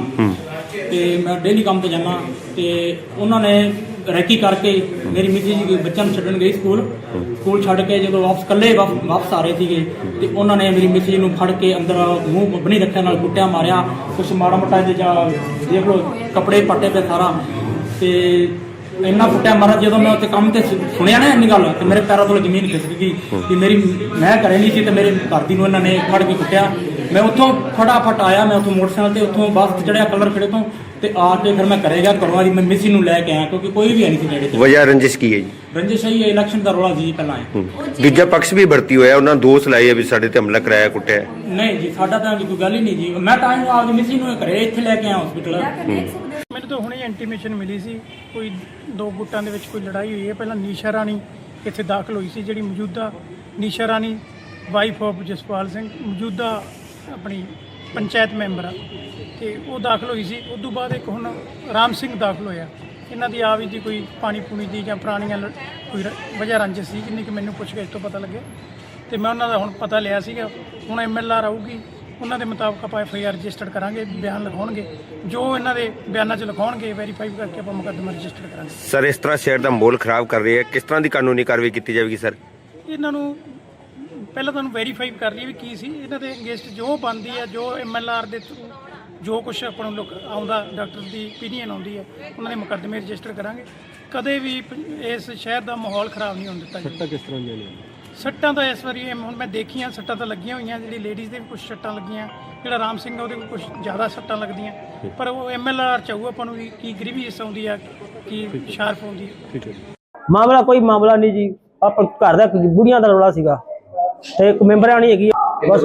E: ਤੇ ਮੈਂ ਡੇਲੀ ਕੰਮ ਤੇ ਜਾਣਾ। ਤੇ ਉਹਨਾਂ ਨੇ ਰੈਕੀ ਕਰਕੇ ਮੇਰੀ ਮਿੱਜੀ ਜੀ ਬੱਚਿਆਂ ਨੂੰ ਛੱਡਣ ਗਈ ਸਕੂਲ ਛੱਡ ਕੇ ਜਦੋਂ ਵਾਪਸ ਆ ਰਹੇ ਸੀਗੇ, ਤੇ ਉਹਨਾਂ ਨੇ ਮੇਰੀ ਮਿੱਜੀ ਨੂੰ ਫੜ ਕੇ ਅੰਦਰ ਮੂੰਹ ਬੰਨੀ ਰੱਖਿਆ, ਨਾਲ ਕੁੱਟਿਆ ਮਾਰਿਆ, ਕੁਛ ਮਾੜਾ ਮੋਟਾ ਇਹਦੇ ਜਾਂ ਦੇਖ ਲਓ ਕੱਪੜੇ ਪੱਟੇ ਤੇ ਸਾਰਾ। ਤੇ ਇੰਨਾ ਕੁੱਟਿਆ ਮਾਰਿਆ, ਜਦੋਂ ਮੈਂ ਉੱਥੇ ਕੰਮ ਤੇ ਸੁਣਿਆ ਨਾ ਇੰਨੀ ਗੱਲ, ਤੇ ਮੇਰੇ ਪੈਰਾਂ ਤੋਂ ਜ਼ਮੀਨ ਖਿਸਕ ਗਈ ਕਿ ਮੈਂ ਘਰੇ ਨਹੀਂ ਸੀ, ਤੇ ਮੇਰੇ ਘਰ ਦੀ ਨੂੰ ਇਹਨਾਂ ਨੇ ਫੜ ਕੇ ਕੁੱਟਿਆ। ਮੈਂ ਉੱਥੋਂ ਫਟਾਫਟ ਆਇਆ, ਮੈਂ ਉੱਥੋਂ ਮੋਟਰਸਾਈਕਲ ਤੇ ਉੱਥੋਂ ਬੱਸ ਤੇ ਚੜਿਆ ਕਲਰ ਖੇੜੇ ਤੋਂ, ਤੇ ਆ ਕੇ ਫਿਰ ਮੈਂ ਘਰੇ ਗਿਆ, ਘਰੋਂ ਦੀ ਮੈਂ ਮਿਸੀ ਨੂੰ ਲੈ ਕੇ ਆਇਆ ਕਿਉਂਕਿ ਕੋਈ ਵੀ ਨਹੀਂ ਸੀ ਨੇੜੇ ਤੇ।
D: ਵਜ੍ਹਾ ਰੰਜਿਸ਼ ਕੀ ਹੈ ਜੀ?
E: ਰੰਜਿਸ਼ ਹੀ ਇਲੈਕਸ਼ਨ ਦਾ ਰੌਲਾ ਸੀ ਪਹਿਲਾਂ ਇਹ।
D: ਦੂਜਾ ਪਕਸ਼ ਵੀ ਭਰਤੀ ਹੋਇਆ, ਉਹਨਾਂ ਦੋਸ਼ ਲਾਏ ਆ ਵੀ ਸਾਡੇ ਤੇ ਹਮਲਾ ਕਰਾਇਆ, ਕੁੱਟਿਆ।
E: ਨਹੀਂ ਜੀ, ਸਾਡਾ ਤਾਂ ਕੋਈ ਗੱਲ ਹੀ ਨਹੀਂ ਜੀ। ਮੈਂ ਤਾਂ ਹੀ ਆਪਦੀ ਮਿਸੀ ਨੂੰ ਘਰੇ ਇੱਥੇ ਲੈ ਕੇ ਆਇਆ ਹਸਪੀਟਲ।
F: ਮੈਨੂੰ ਤਾਂ ਹੁਣੇ ਇੰਟੀਮੇਸ਼ਨ ਮਿਲੀ ਸੀ ਕੋਈ ਦੋ ਗੁੱਟਾਂ ਦੇ ਵਿੱਚ ਕੋਈ ਲੜਾਈ ਹੋਈ ਹੈ। ਪਹਿਲਾਂ ਨੀਸ਼ਾ ਰਾਣੀ ਇੱਥੇ ਦਾਖਲ ਹੋਈ ਸੀ, ਜਿਹੜੀ ਮੌਜੂਦਾ ਨੀਸ਼ਾ ਰਾਣੀ ਵਾਈਫ ਆਫ ਜਸਪਾਲ ਸਿੰਘ, ਮੌਜੂਦਾ ਆਪਣੀ ਪੰਚਾਇਤ ਮੈਂਬਰ ਆ, ਤੇ ਉਹ ਦਾਖਲ ਹੋਈ ਸੀ। ਉਸ ਤੋਂ ਬਾਅਦ ਇੱਕ ਹੁਣ ਰਾਮ ਸਿੰਘ ਦਾਖਲ ਹੋਇਆ। ਇਹਨਾਂ ਦੀ ਆਪ ਦੀ ਕੋਈ ਪਾਣੀ ਪੂਣੀ ਦੀ ਜਾਂ ਪੁਰਾਣੀਆਂ ਕੋਈ ਵਜ੍ਹਾ ਰੰਜਿਸ਼ ਸੀ, ਜਿੰਨੀ ਕਿ ਮੈਨੂੰ ਪੁੱਛ ਕੇ ਇਸ ਤੋਂ ਪਤਾ ਲੱਗਿਆ। ਤੇ ਮੈਂ ਉਹਨਾਂ ਦਾ ਹੁਣ ਪਤਾ ਲਿਆ ਸੀਗਾ। ਹੁਣ MLR ਆਊਗੀ, ਉਹਨਾਂ ਦੇ ਮੁਤਾਬਕ ਆਪਾਂ FIR ਰਜਿਸਟਰ ਕਰਾਂਗੇ, ਬਿਆਨ ਲਿਖਾਉਣਗੇ। ਜੋ ਇਹਨਾਂ ਦੇ ਬਿਆਨਾਂ 'ਚ ਲਿਖਾਉਣਗੇ ਵੈਰੀਫਾਈ ਕਰਕੇ ਆਪਾਂ ਮੁਕੱਦਮਾ ਰਜਿਸਟਰ ਕਰਾਂਗੇ।
D: ਸਰ, ਇਸ ਤਰ੍ਹਾਂ ਸ਼ਹਿਰ ਦਾ ਮਾਹੌਲ ਖਰਾਬ ਕਰ ਰਹੇ ਆ, ਕਿਸ ਤਰ੍ਹਾਂ ਦੀ ਕਾਨੂੰਨੀ ਕਾਰਵਾਈ ਕੀਤੀ ਜਾਵੇਗੀ ਸਰ?
F: ਇਹਨਾਂ ਨੂੰ ਪਹਿਲਾਂ ਤੁਹਾਨੂੰ ਵੈਰੀਫਾਈ ਕਰ ਲਈ ਵੀ ਕੀ ਸੀ ਇਹਨਾਂ ਦੇ ਅਗੇਂਸਟ ਜੋ ਬਣਦੀ ਹੈ, ਜੋ MLR ਦੇ ਥਰੂ ਜੋ ਕੁਝ ਆਪਾਂ ਨੂੰ ਆਉਂਦਾ, ਡਾਕਟਰ ਦੀ ਓਪੀਨੀਅਨ ਆਉਂਦੀ ਹੈ, ਉਹਨਾਂ ਦੇ ਮੁਕੱਦਮੇ ਰਜਿਸਟਰ ਕਰਾਂਗੇ। ਕਦੇ ਵੀ ਇਸ ਸ਼ਹਿਰ ਦਾ ਮਾਹੌਲ ਖਰਾਬ ਨਹੀਂ ਹੋਣ ਦਿੱਤਾ ਜੀ।
B: ਸੱਟਾਂ ਕਿਸ ਤਰ੍ਹਾਂ ਦੀਆਂ ਨੇ?
F: ਸੱਟਾਂ ਤਾਂ ਇਸ ਵਾਰੀ ਹੁਣ ਮੈਂ ਦੇਖੀਆਂ, ਸੱਟਾਂ ਤਾਂ ਲੱਗੀਆਂ ਹੋਈਆਂ। ਜਿਹੜੀ ਲੇਡੀਜ਼ ਦੇ ਵੀ ਕੁਝ ਸੱਟਾਂ ਲੱਗੀਆਂ, ਜਿਹੜਾ ਰਾਮ ਸਿੰਘ ਆ ਉਹਦੇ ਵੀ ਕੁਝ ਜ਼ਿਆਦਾ ਸੱਟਾਂ ਲੱਗਦੀਆਂ, ਪਰ ਉਹ MLR ਚਾਹੂ ਆਪਾਂ ਨੂੰ ਵੀ ਕੀ ਗ੍ਰੀਵੀਅਸ ਆਉਂਦੀ ਆ, ਕੀ ਸ਼ਾਰਪ ਆਉਂਦੀ ਹੈ।
B: ਠੀਕ ਹੈ।
A: ਮਾਮਲਾ ਕੋਈ ਮਾਮਲਾ ਨਹੀਂ ਜੀ, ਆਪਾਂ ਘਰ ਦਾ ਬੁੜੀਆਂ ਦਾ ਰੌਲਾ ਸੀਗਾ, ਤੇ ਇੱਕ ਮੈਂਬਰਾਂ ਨਹੀਂ ਹੈਗੀ, ਬਸ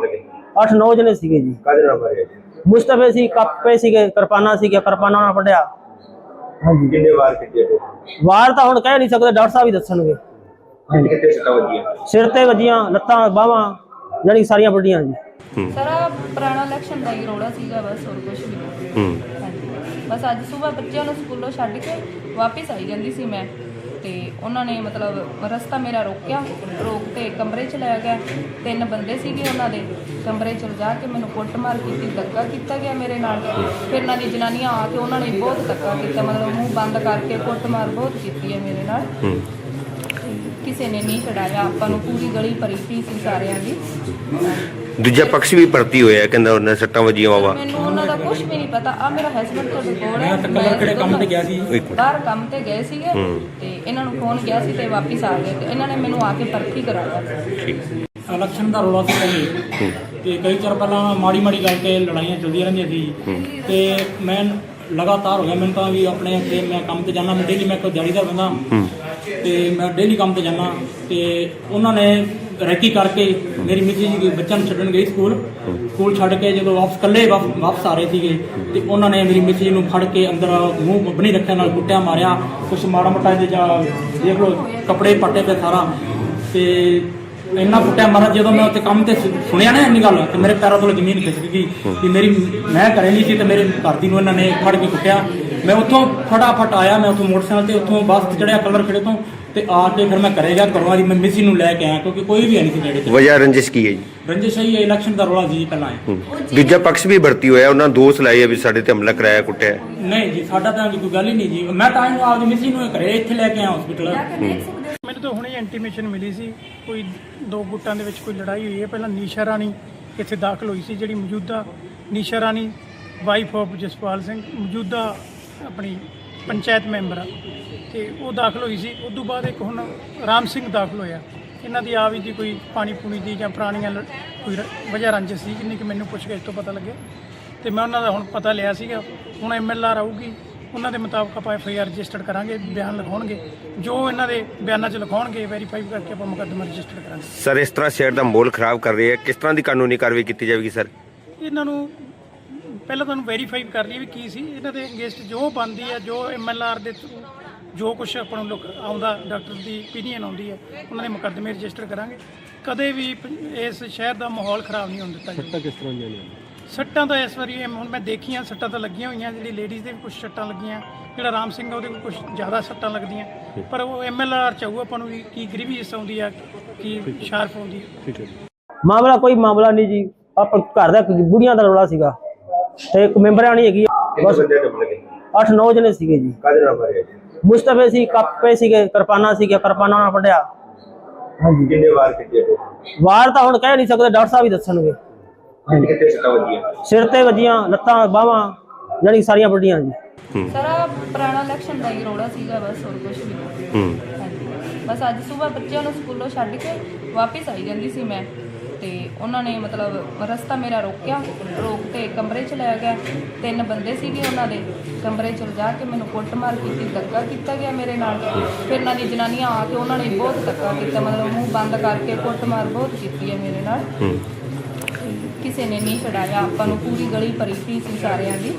A: 8-9 ਜਣੇ ਸੀਗੇ ਜੀ।
B: ਕਾਹਦੇ ਨਾਲ ਮਾਰਿਆ ਜੀ?
A: ਮੁਸਤਫੇ ਸੀ, ਕਾਪੇ ਸੀਗੇ, ਕਿਰਪਾਨਾਂ ਸੀਗੇ, ਕਿਰਪਾਨਾਂ ਨਾਲ ਪੜਿਆ। ਹਾਂਜੀ,
B: ਕਿੰਨੇ ਵਾਰ ਕੀਤੇ?
A: ਵਾਰ ਤਾਂ ਹੁਣ ਕਹਿ ਨਹੀਂ ਸਕਦੇ, ਡਾਕਟਰ ਸਾਹਿਬ ਹੀ ਦੱਸਣਗੇ।
B: ਕਿੱਥੇ ਸੱਟਾਂ ਵੱਜੀਆਂ?
A: ਸਿਰ ਤੇ ਵੱਜੀਆਂ, ਲੱਤਾਂ ਬਾਹਾਂ ਜਾਨੀ ਸਾਰੀਆਂ ਵੱਡੀਆਂ ਜੀ।
C: ਸਾਰਾ ਪੁਰਾਣਾ ਇਲੈਕਸ਼ਨ ਦਾ ਹੀ ਰੌਲਾ ਸੀਗਾ, ਬਸ ਹੋਰ ਕੁਝ ਨਹੀਂ। ਹਾਂਜੀ, ਬਸ ਅੱਜ ਸਵੇਰ ਬੱਚਿਆਂ ਨੂੰ ਸਕੂਲੋਂ ਛੱਡ ਕੇ ਵਾਪਸ ਆਈ ਜਾਂਦੀ ਸੀ ਮੈਂ, ਤੇ ਉਹਨਾਂ ਨੇ ਮਤਲਬ ਰਸਤਾ ਮੇਰਾ ਰੋਕ ਤੇ ਕਮਰੇ 'ਚ ਲੈ ਗਿਆ। 3 ਬੰਦੇ ਸੀਗੇ ਉਹਨਾਂ ਦੇ ਕਮਰੇ 'ਚ ਲਿਜਾ ਕੇ ਮੈਨੂੰ ਕੁੱਟਮਾਰ ਕੀਤੀ, ਧੱਕਾ ਕੀਤਾ ਗਿਆ ਮੇਰੇ ਨਾਲ। ਫਿਰ ਇਹਨਾਂ ਦੀ ਜਨਾਨੀਆਂ ਆ ਕੇ ਉਹਨਾਂ ਨੇ ਬਹੁਤ ਧੱਕਾ ਕੀਤਾ, ਮਤਲਬ ਮੂੰਹ ਬੰਦ ਕਰਕੇ ਕੁੱਟਮਾਰ ਬਹੁਤ ਕੀਤੀ ਹੈ ਮੇਰੇ ਨਾਲ। ਕਿਸੇ ਨੇ ਨਹੀਂ ਛਡਾਇਆ, ਆਪਾਂ ਨੂੰ ਪੂਰੀ ਗਲੀ ਭਰੀ ਪਈ ਸੀ ਸਾਰਿਆਂ ਦੀ।
D: ਦੂਜਾ ਪਕਸ਼ ਵੀ ਭਰਤੀ ਹੋਇਆ, ਕਹਿੰਦਾ ਉਹਨਾਂ ਸੱਟਾਂ ਵੱਜੀਆਂ ਵਾਵਾ।
C: ਮੈਨੂੰ ਉਹਨਾਂ ਦਾ ਕੁਝ ਵੀ ਨਹੀਂ ਪਤਾ। ਆ ਮੇਰਾ ਹਸਬੰਡ ਤੁਹਾਡੇ ਕੋਲ
E: ਮੈਂ
C: ਹੈ,
E: ਤਾਂ ਕਲਰ ਕਿਹੜੇ ਕੰਮ ਤੇ ਗਿਆ ਸੀ?
C: ਬਾਹਰ ਕੰਮ ਤੇ ਗਏ ਸੀਗੇ ਤੇ ਇਹਨਾਂ ਨੂੰ ਫੋਨ ਗਿਆ ਸੀ ਤੇ ਵਾਪਿਸ ਆ ਗਏ ਤੇ ਇਹਨਾਂ ਨੇ ਮੈਨੂੰ ਆ ਕੇ ਭਰਤੀ ਕਰਾਇਆ।
E: ਇਲੈਕਸ਼ਨ ਦਾ ਰੌਲਾ ਸੀ ਪਹਿਲੇ, ਤੇ ਕਈ ਚਿਰ ਪਹਿਲਾਂ ਮਾੜੀ ਗੱਲ ਤੇ ਲੜਾਈਆਂ ਚੱਲਦੀਆਂ ਰਹਿੰਦੀਆਂ ਸੀ। ਤੇ ਮੈਂ ਲਗਾਤਾਰ ਹੋ ਗਿਆ ਮੈਨੂੰ ਤਾਂ ਵੀ ਆਪਣੇ ਤੇ ਮੈਂ ਕੰਮ ਤੇ ਜਾਣਾ, ਮੈਂ ਡੇਲੀ ਮੈਂ ਕੋਈ ਦਿਹਾੜੀ ਦਾ ਬੰਦਾ ਤੇ ਮੈਂ ਡੇਲੀ ਕੰਮ ਤੇ ਜਾਣਾ। ਤੇ ਉਹਨਾਂ ਨੇ ਰੈਕੀ ਕਰਕੇ ਮੇਰੀ ਮਿੱਜੀ ਜੀ ਬੱਚਿਆਂ ਨੂੰ ਛੱਡਣ ਗਈ ਸਕੂਲ ਛੱਡ ਕੇ ਜਦੋਂ ਵਾਪਸ ਆ ਰਹੇ ਸੀਗੇ ਤੇ ਉਹਨਾਂ ਨੇ ਮੇਰੀ ਮਿੱਜੀ ਨੂੰ ਫੜ ਕੇ ਅੰਦਰ ਮੂੰਹ ਬੰਨੀ ਰੱਖਿਆ, ਨਾਲ ਕੁੱਟਿਆ ਮਾਰਿਆ, ਕੁਛ ਮਾੜਾ ਮੋਟਾ ਇਹਦੇ ਜਾਂ ਦੇਖ ਲਓ ਕੱਪੜੇ ਪੱਟੇ ਤੇ ਸਾਰਾ। ਤੇ ਇੰਨਾ ਕੁੱਟਿਆ ਮਾਰਿਆ, ਜਦੋਂ ਮੈਂ ਉੱਥੇ ਕੰਮ ਤੇ ਸੁਣਿਆ ਨਾ ਇੰਨੀ ਗੱਲ ਤੇ ਮੇਰੇ ਪੈਰਾਂ ਤੋਂ ਜ਼ਮੀਨ ਖਿਸਕ ਗਈ ਕਿ ਮੈਂ ਘਰੇ ਨਹੀਂ ਸੀ ਤੇ ਮੇਰੇ ਘਰ ਦੀ ਨੂੰ ਇਹਨਾਂ ਨੇ ਫੜ ਕੇ ਕੁੱਟਿਆ। ਮੈਂ ਉੱਥੋਂ ਫਟਾਫਟ ਆਇਆ, ਮੈਂ ਉੱਥੋਂ ਮੋਟਰਸਾਈਕਲ ਤੇ ਉੱਥੋਂ ਬੱਸ ਚੜਿਆ ਕਲਰ ਖੇੜੇ ਤੋਂ ਤੇ ਆ ਕੇ ਫਿਰ ਮੈਂ ਘਰੇ ਗਿਆ। ਘਰੋਂ ਦੀ ਮੈਂ ਮਿਸੀ ਨੂੰ ਲੈ ਕੇ ਆਇਆ ਕਿਉਂਕਿ ਕੋਈ ਵੀ ਨਹੀਂ ਸੀ ਨੇੜੇ ਤੇ।
D: ਵਜ੍ਹਾ ਰੰਜਿਸ਼ ਕੀ ਹੈ ਜੀ?
E: ਰੰਜਿਸ਼ ਹੈ ਇਲੈਕਸ਼ਨ ਦਾ ਰੌਲਾ ਸੀ ਪਹਿਲਾਂ।
D: ਦੂਜਾ ਪਕਸ਼ ਵੀ ਭਰਤੀ ਹੋਇਆ, ਉਹਨਾਂ ਦੋਸ਼ ਲਾਏ ਆ ਵੀ ਸਾਡੇ ਤੇ ਹਮਲਾ ਕਰਾਇਆ, ਕੁੱਟਿਆ।
E: ਨਹੀਂ ਜੀ, ਸਾਡਾ ਤਾਂ ਕੋਈ ਗੱਲ ਹੀ ਨਹੀਂ ਜੀ। ਮੈਂ ਤਾਂ ਇਹਨੂੰ ਆਪਦੀ ਮਿਸੀ ਨੂੰ ਘਰੇ ਇੱਥੇ ਲੈ ਕੇ ਆਇਆ ਹਸਪੀਟਲ।
F: ਮੈਨੂੰ ਤਾਂ ਹੁਣੇ ਇੰਟੀਮੇਸ਼ਨ ਮਿਲੀ ਸੀ ਕੋਈ 2 ਗੁੱਟਾਂ ਦੇ ਵਿੱਚ ਕੋਈ ਲੜਾਈ ਹੋਈ ਹੈ। ਪਹਿਲਾਂ ਨੀਸ਼ਾ ਰਾਣੀ ਇੱਥੇ ਦਾਖਲ ਹੋਈ ਸੀ, ਜਿਹੜੀ ਮੌਜੂਦਾ ਨੀਸ਼ਾ ਰਾਣੀ ਵਾਈਫ ਆਫ ਜਸਪਾਲ ਸਿੰਘ, ਮੌਜੂਦਾ ਆਪਣੀ ਪੰਚਾਇਤ ਮੈਂਬਰ ਆ, ਤੇ ਉਹ ਦਾਖਲ ਹੋਈ ਸੀ। ਉਸ ਤੋਂ ਬਾਅਦ ਇੱਕ ਹੁਣ ਰਾਮ ਸਿੰਘ ਦਾਖਲ ਹੋਇਆ। ਇਹਨਾਂ ਦੀ ਆਪ ਹੀ ਦੀ ਕੋਈ ਪਾਣੀ ਪੂਣੀ ਦੀ ਜਾਂ ਪੁਰਾਣੀਆਂ ਕੋਈ ਵਜ੍ਹਾ ਰੰਜਿਸ਼ ਸੀ, ਜਿੰਨੀ ਕਿ ਮੈਨੂੰ ਪੁੱਛ ਕੇ ਇਸ ਤੋਂ ਪਤਾ ਲੱਗਿਆ। ਤੇ ਮੈਂ ਉਹਨਾਂ ਦਾ ਹੁਣ ਪਤਾ ਲਿਆ ਸੀਗਾ। ਹੁਣ MLR ਆਊਗੀ, ਉਹਨਾਂ ਦੇ ਮੁਤਾਬਕ ਆਪਾਂ FIR ਰਜਿਸਟਰ ਕਰਾਂਗੇ, ਬਿਆਨ ਲਿਖਾਉਣਗੇ। ਜੋ ਇਹਨਾਂ ਦੇ ਬਿਆਨਾਂ 'ਚ ਲਿਖਾਉਣਗੇ ਵੈਰੀਫਾਈ ਕਰਕੇ ਆਪਾਂ ਮੁਕੱਦਮਾ ਰਜਿਸਟਰ ਕਰਾਂਗੇ।
D: ਸਰ, ਇਸ ਤਰ੍ਹਾਂ ਸ਼ਹਿਰ ਦਾ ਮਾਹੌਲ ਖਰਾਬ ਕਰ ਰਹੇ ਆ, ਕਿਸ ਤਰ੍ਹਾਂ ਦੀ ਕਾਨੂੰਨੀ ਕਾਰਵਾਈ ਕੀਤੀ ਜਾਵੇਗੀ ਸਰ?
F: ਇਹਨਾਂ ਨੂੰ ਪਹਿਲਾਂ ਤੁਹਾਨੂੰ ਵੈਰੀਫਾਈ ਕਰ ਲਈਏ ਵੀ ਕੀ ਸੀ ਇਹਨਾਂ ਦੇ ਅਗੇਂਸਟ ਜੋ ਬਣਦੀ ਹੈ, ਜੋ MLR ਦੇ ਥਰੂ ਜੋ ਕੁਛ ਆਪਾਂ ਨੂੰ ਆਉਂਦਾ, ਡਾਕਟਰ ਦੀ ਓਪੀਨੀਅਨ ਆਉਂਦੀ ਹੈ, ਉਹਨਾਂ ਦੇ ਮੁਕੱਦਮੇ ਰਜਿਸਟਰ ਕਰਾਂਗੇ। ਕਦੇ ਵੀ ਇਸ ਸ਼ਹਿਰ ਦਾ ਮਾਹੌਲ ਖਰਾਬ ਨਹੀਂ ਹੋਣ ਦਿੱਤਾ। ਸੱਟਾਂ ਕਿਸ ਤਰ੍ਹਾਂ ਦੀਆਂ ਨੇ? ਸੱਟਾਂ ਤਾਂ ਇਸ ਵਾਰੀ ਹੁਣ ਮੈਂ ਦੇਖੀਆਂ, ਸੱਟਾਂ ਤਾਂ ਲੱਗੀਆਂ ਹੋਈਆਂ। ਜਿਹੜੀ ਲੇਡੀਜ਼ ਦੇ ਵੀ ਕੁਝ ਸੱਟਾਂ ਲੱਗੀਆਂ, ਜਿਹੜਾ ਰਾਮ ਸਿੰਘ ਉਹਦੇ ਵੀ ਕੁਝ ਜ਼ਿਆਦਾ ਸੱਟਾਂ ਲੱਗਦੀਆਂ। ਪਰ ਉਹ MLR ਚਾਹੂ ਆਪਾਂ ਨੂੰ ਵੀ ਕੀ ਗ੍ਰੀਵੀਅਸ ਆਉਂਦੀ ਆ, ਕੀ ਸ਼ਾਰਪ ਆਉਂਦੀ ਹੈ।
A: ਮਾਮਲਾ ਕੋਈ ਮਾਮਲਾ ਨਹੀਂ ਜੀ, ਆਪਾਂ ਘਰ ਦਾ ਬੁੜੀਆਂ ਦਾ ਰੌਲਾ ਸੀਗਾ ਤੇ ਇੱਕ ਮੈਂਬਰਾਂ ਨਹੀਂ ਹੈਗੀ, ਬਸ 8-9 ਜਣੇ ਸੀਗੇ ਜੀ।
B: ਕਾਹਦੇ ਨਾਲ ਮਾਰਿਆ ਜੀ?
A: ਮੁਸਤਫੇ ਸੀ, ਕਾਪੇ ਸੀਗੇ, ਕਿਰਪਾਨਾਂ ਸੀਗੇ, ਕਿਰਪਾਨਾਂ ਨਾਲ ਵੱਢਿਆ। ਹਾਂਜੀ,
B: ਕਿੰਨੇ ਵਾਰ ਕੀਤੇ?
A: ਵਾਰ ਤਾਂ ਹੁਣ ਕਹਿ ਨਹੀਂ ਸਕਦੇ, ਡਾਕਟਰ ਸਾਹਿਬ ਹੀ ਦੱਸਣਗੇ।
B: ਕਿੱਥੇ ਸੱਟਾਂ ਵੱਜੀਆਂ?
A: ਸਿਰ ਤੇ ਵੱਜੀਆਂ, ਲੱਤਾਂ ਬਾਹਾਂ ਜਾਨੀ ਸਾਰੀਆਂ ਵੱਡੀਆਂ ਜੀ।
C: ਸਾਰਾ ਪੁਰਾਣਾ ਇਲੈਕਸ਼ਨ ਦਾ ਹੀ ਰੌਲਾ ਸੀਗਾ, ਬਸ ਹੋਰ ਕੁਝ ਨਹੀਂ। ਹਾਂਜੀ, ਬਸ ਅੱਜ ਸਵੇਰ ਬੱਚਿਆਂ ਨੂੰ ਸਕੂਲੋਂ ਛੱਡ ਕੇ ਵਾਪਿਸ ਆਈ ਜਾਂਦੀ ਸੀ ਮੈਂ ਤੇ ਉਹਨਾਂ ਨੇ ਮਤਲਬ ਰਸਤਾ ਮੇਰਾ ਰੋਕ ਤੇ ਕਮਰੇ 'ਚ ਲੈ ਗਿਆ। 3 ਬੰਦੇ ਸੀਗੇ ਉਹਨਾਂ ਦੇ ਕਮਰੇ 'ਚ ਲਿਜਾ ਕੇ ਮੈਨੂੰ ਕੁੱਟਮਾਰ ਕੀਤੀ, ਧੱਕਾ ਕੀਤਾ ਗਿਆ ਮੇਰੇ ਨਾਲ। ਫਿਰ ਇਹਨਾਂ ਦੀ ਜਨਾਨੀਆਂ ਆ ਕੇ ਉਹਨਾਂ ਨੇ ਬਹੁਤ ਧੱਕਾ ਕੀਤਾ, ਮਤਲਬ ਮੂੰਹ ਬੰਦ ਕਰਕੇ ਕੁੱਟਮਾਰ ਬਹੁਤ ਕੀਤੀ ਹੈ ਮੇਰੇ ਨਾਲ। ਕਿਸੇ ਨੇ ਨਹੀਂ ਛਡਾਇਆ, ਆਪਾਂ ਨੂੰ ਪੂਰੀ ਗਲੀ ਭਰੀ ਪਈ ਸੀ ਸਾਰਿਆਂ ਦੀ।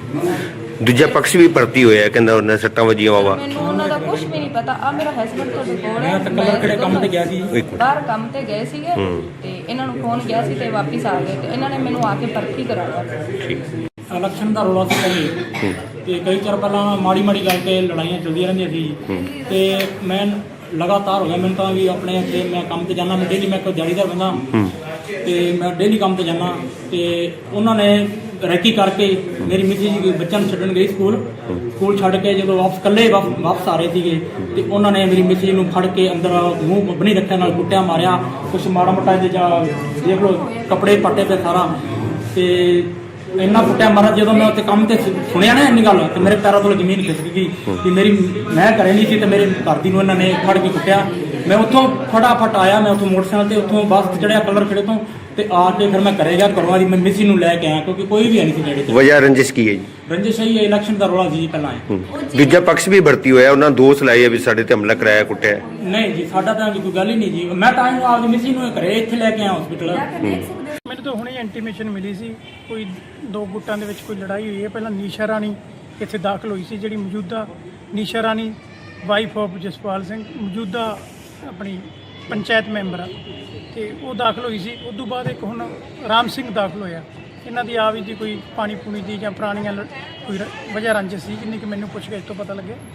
D: ਦੂਜਾ ਪਕਸ਼ ਵੀ ਭਰਤੀ ਹੋਇਆ, ਕਹਿੰਦਾ ਉਹਨਾਂ ਸੱਟਾਂ ਵੱਜੀਆਂ ਵਾਵਾ।
C: ਮੈਨੂੰ ਉਹਨਾਂ ਦਾ ਕੁਝ ਵੀ ਨਹੀਂ ਪਤਾ। ਆ ਮੇਰਾ ਹਸਬੰਡ ਤੁਹਾਡੇ ਕੋਲ ਹੈ,
E: ਮੈਂ ਤਾਂ ਕਲਰ ਕਿਹੜੇ ਕੰਮ ਤੇ ਗਿਆ ਸੀ?
C: ਬਾਹਰ ਕੰਮ ਤੇ ਗਏ ਸੀਗੇ ਤੇ ਇਹਨਾਂ ਨੂੰ ਫੋਨ ਗਿਆ ਸੀ ਤੇ ਵਾਪਿਸ ਆ ਗਏ ਤੇ ਇਹਨਾਂ ਨੇ ਮੈਨੂੰ ਆ ਕੇ ਭਰਤੀ ਕਰਾਇਆ।
E: ਇਲੈਕਸ਼ਨ ਦਾ ਰੌਲਾ ਸੀ ਪਹਿਲੇ, ਤੇ ਕਈ ਚਿਰ ਪਹਿਲਾਂ ਮਾੜੀ ਗੱਲ ਤੇ ਲੜਾਈਆਂ ਚੱਲਦੀਆਂ ਰਹਿੰਦੀਆਂ ਸੀ। ਤੇ ਮੈਂ ਲਗਾਤਾਰ ਹੋ ਗਿਆ ਮੈਨੂੰ ਤਾਂ ਵੀ ਆਪਣੇ ਤੇ ਮੈਂ ਕੰਮ ਤੇ ਜਾਣਾ, ਮੈਂ ਡੇਲੀ ਮੈਂ ਕੋਈ ਦਿਹਾੜੀ ਦਾ ਬੰਦਾ ਤੇ ਮੈਂ ਡੇਲੀ ਕੰਮ ਤੇ ਜਾਣਾ। ਤੇ ਉਹਨਾਂ ਨੇ ਰੈਕੀ ਕਰਕੇ ਮੇਰੀ ਮਿੱਜੀ ਜੀ ਬੱਚਿਆਂ ਨੂੰ ਛੱਡਣ ਗਈ ਸਕੂਲ ਛੱਡ ਕੇ ਜਦੋਂ ਵਾਪਸ ਆ ਰਹੇ ਸੀਗੇ ਤੇ ਉਹਨਾਂ ਨੇ ਮੇਰੀ ਮਿੱਜੀ ਨੂੰ ਫੜ ਕੇ ਅੰਦਰ ਮੂੰਹ ਬੰਨੀ ਰੱਖਿਆ, ਨਾਲ ਕੁੱਟਿਆ ਮਾਰਿਆ, ਕੁਛ ਮਾੜਾ ਮੋਟਾ ਇਹਦੇ ਜਾਂ ਦੇਖ ਲਓ ਕੱਪੜੇ ਪੱਟੇ ਤੇ ਸਾਰਾ। ਤੇ ਇੰਨਾ ਕੁੱਟਿਆ ਮਾਰਿਆ, ਜਦੋਂ ਮੈਂ ਉੱਥੇ ਕੰਮ ਤੇ ਸੁਣਿਆ ਨਾ ਇੰਨੀ ਗੱਲ ਤੇ ਮੇਰੇ ਪੈਰਾਂ ਤੋਂ ਜ਼ਮੀਨ ਖਿਸਕ ਗਈ ਕਿ ਮੈਂ ਘਰੇ ਨਹੀਂ ਸੀ ਤੇ ਮੇਰੇ ਘਰ ਦੀ ਨੂੰ ਇਹਨਾਂ ਨੇ ਫੜ ਕੇ ਕੁੱਟਿਆ। ਮੈਂ ਉੱਥੋਂ ਫਟਾਫਟ ਆਇਆ, ਮੈਂ ਉੱਥੋਂ ਮੋਟਰਸਾਈਕਲ ਤੇ ਉੱਥੋਂ ਬੱਸ ਚੜਿਆ ਕਲਰ ਖੇੜੇ ਤੋਂ ਤੇ ਆ ਕੇ ਫਿਰ ਮੈਂ ਘਰੇ ਗਿਆ। ਘਰੋਂ ਦੀ ਮੈਂ ਮਿਸੀ ਨੂੰ ਲੈ ਕੇ ਆਇਆ ਕਿਉਂਕਿ ਕੋਈ ਵੀ ਨਹੀਂ ਸੀ ਨੇੜੇ ਤੇ।
D: ਵਜ੍ਹਾ ਰੰਜਿਸ਼ ਕੀ ਹੈ ਜੀ?
E: ਰੰਜਿਸ਼ ਹੈ ਇਲੈਕਸ਼ਨ ਦਾ ਰੌਲਾ ਸੀ ਪਹਿਲਾਂ।
D: ਦੂਜਾ ਪਕਸ਼ ਵੀ ਭਰਤੀ ਹੋਇਆ, ਉਹਨਾਂ ਦੋਸ਼ ਲਾਏ ਆ ਵੀ ਸਾਡੇ ਤੇ ਹਮਲਾ ਕਰਾਇਆ, ਕੁੱਟਿਆ।
E: ਨਹੀਂ ਜੀ, ਸਾਡਾ ਤਾਂ ਕੋਈ ਗੱਲ ਹੀ ਨਹੀਂ ਜੀ। ਮੈਂ ਤਾਂ ਇਹਨੂੰ ਆਪਦੀ ਮਿਸੀ ਨੂੰ ਘਰੇ ਇੱਥੇ ਲੈ ਕੇ ਆਇਆ ਹਸਪੀਟਲ।
F: ਮੈਨੂੰ ਤਾਂ ਹੁਣੇ ਇੰਟੀਮੇਸ਼ਨ ਮਿਲੀ ਸੀ ਕੋਈ 2 ਗੁੱਟਾਂ ਦੇ ਵਿੱਚ ਕੋਈ ਲੜਾਈ ਹੋਈ ਹੈ। ਪਹਿਲਾਂ ਨੀਸ਼ਾ ਰਾਣੀ ਇੱਥੇ ਦਾਖਲ ਹੋਈ ਸੀ, ਜਿਹੜੀ ਮੌਜੂਦਾ ਨੀਸ਼ਾ ਰਾਣੀ ਵਾਈਫ ਆਫ ਜਸਪਾਲ ਸਿੰਘ, ਮੌਜੂਦਾ ਆਪਣੀ ਪੰਚਾਇਤ ਮੈਂਬਰ ਆ, ਤੇ ਉਹ ਦਾਖਲ ਹੋਈ ਸੀ। ਉਸ ਤੋਂ ਬਾਅਦ ਇੱਕ ਹੁਣ ਰਾਮ ਸਿੰਘ ਦਾਖਲ ਹੋਇਆ। ਇਹਨਾਂ ਦੀ ਆਪ ਹੀ ਦੀ ਕੋਈ ਪਾਣੀ ਪੂਣੀ ਦੀ ਜਾਂ ਪੁਰਾਣੀਆਂ ਕੋਈ ਵਜ੍ਹਾ ਰੰਜਿਸ਼ ਸੀ, ਜਿੰਨੀ ਕਿ ਮੈਨੂੰ ਪੁੱਛ ਕੇ ਇਸ ਤੋਂ ਪਤਾ ਲੱਗਿਆ।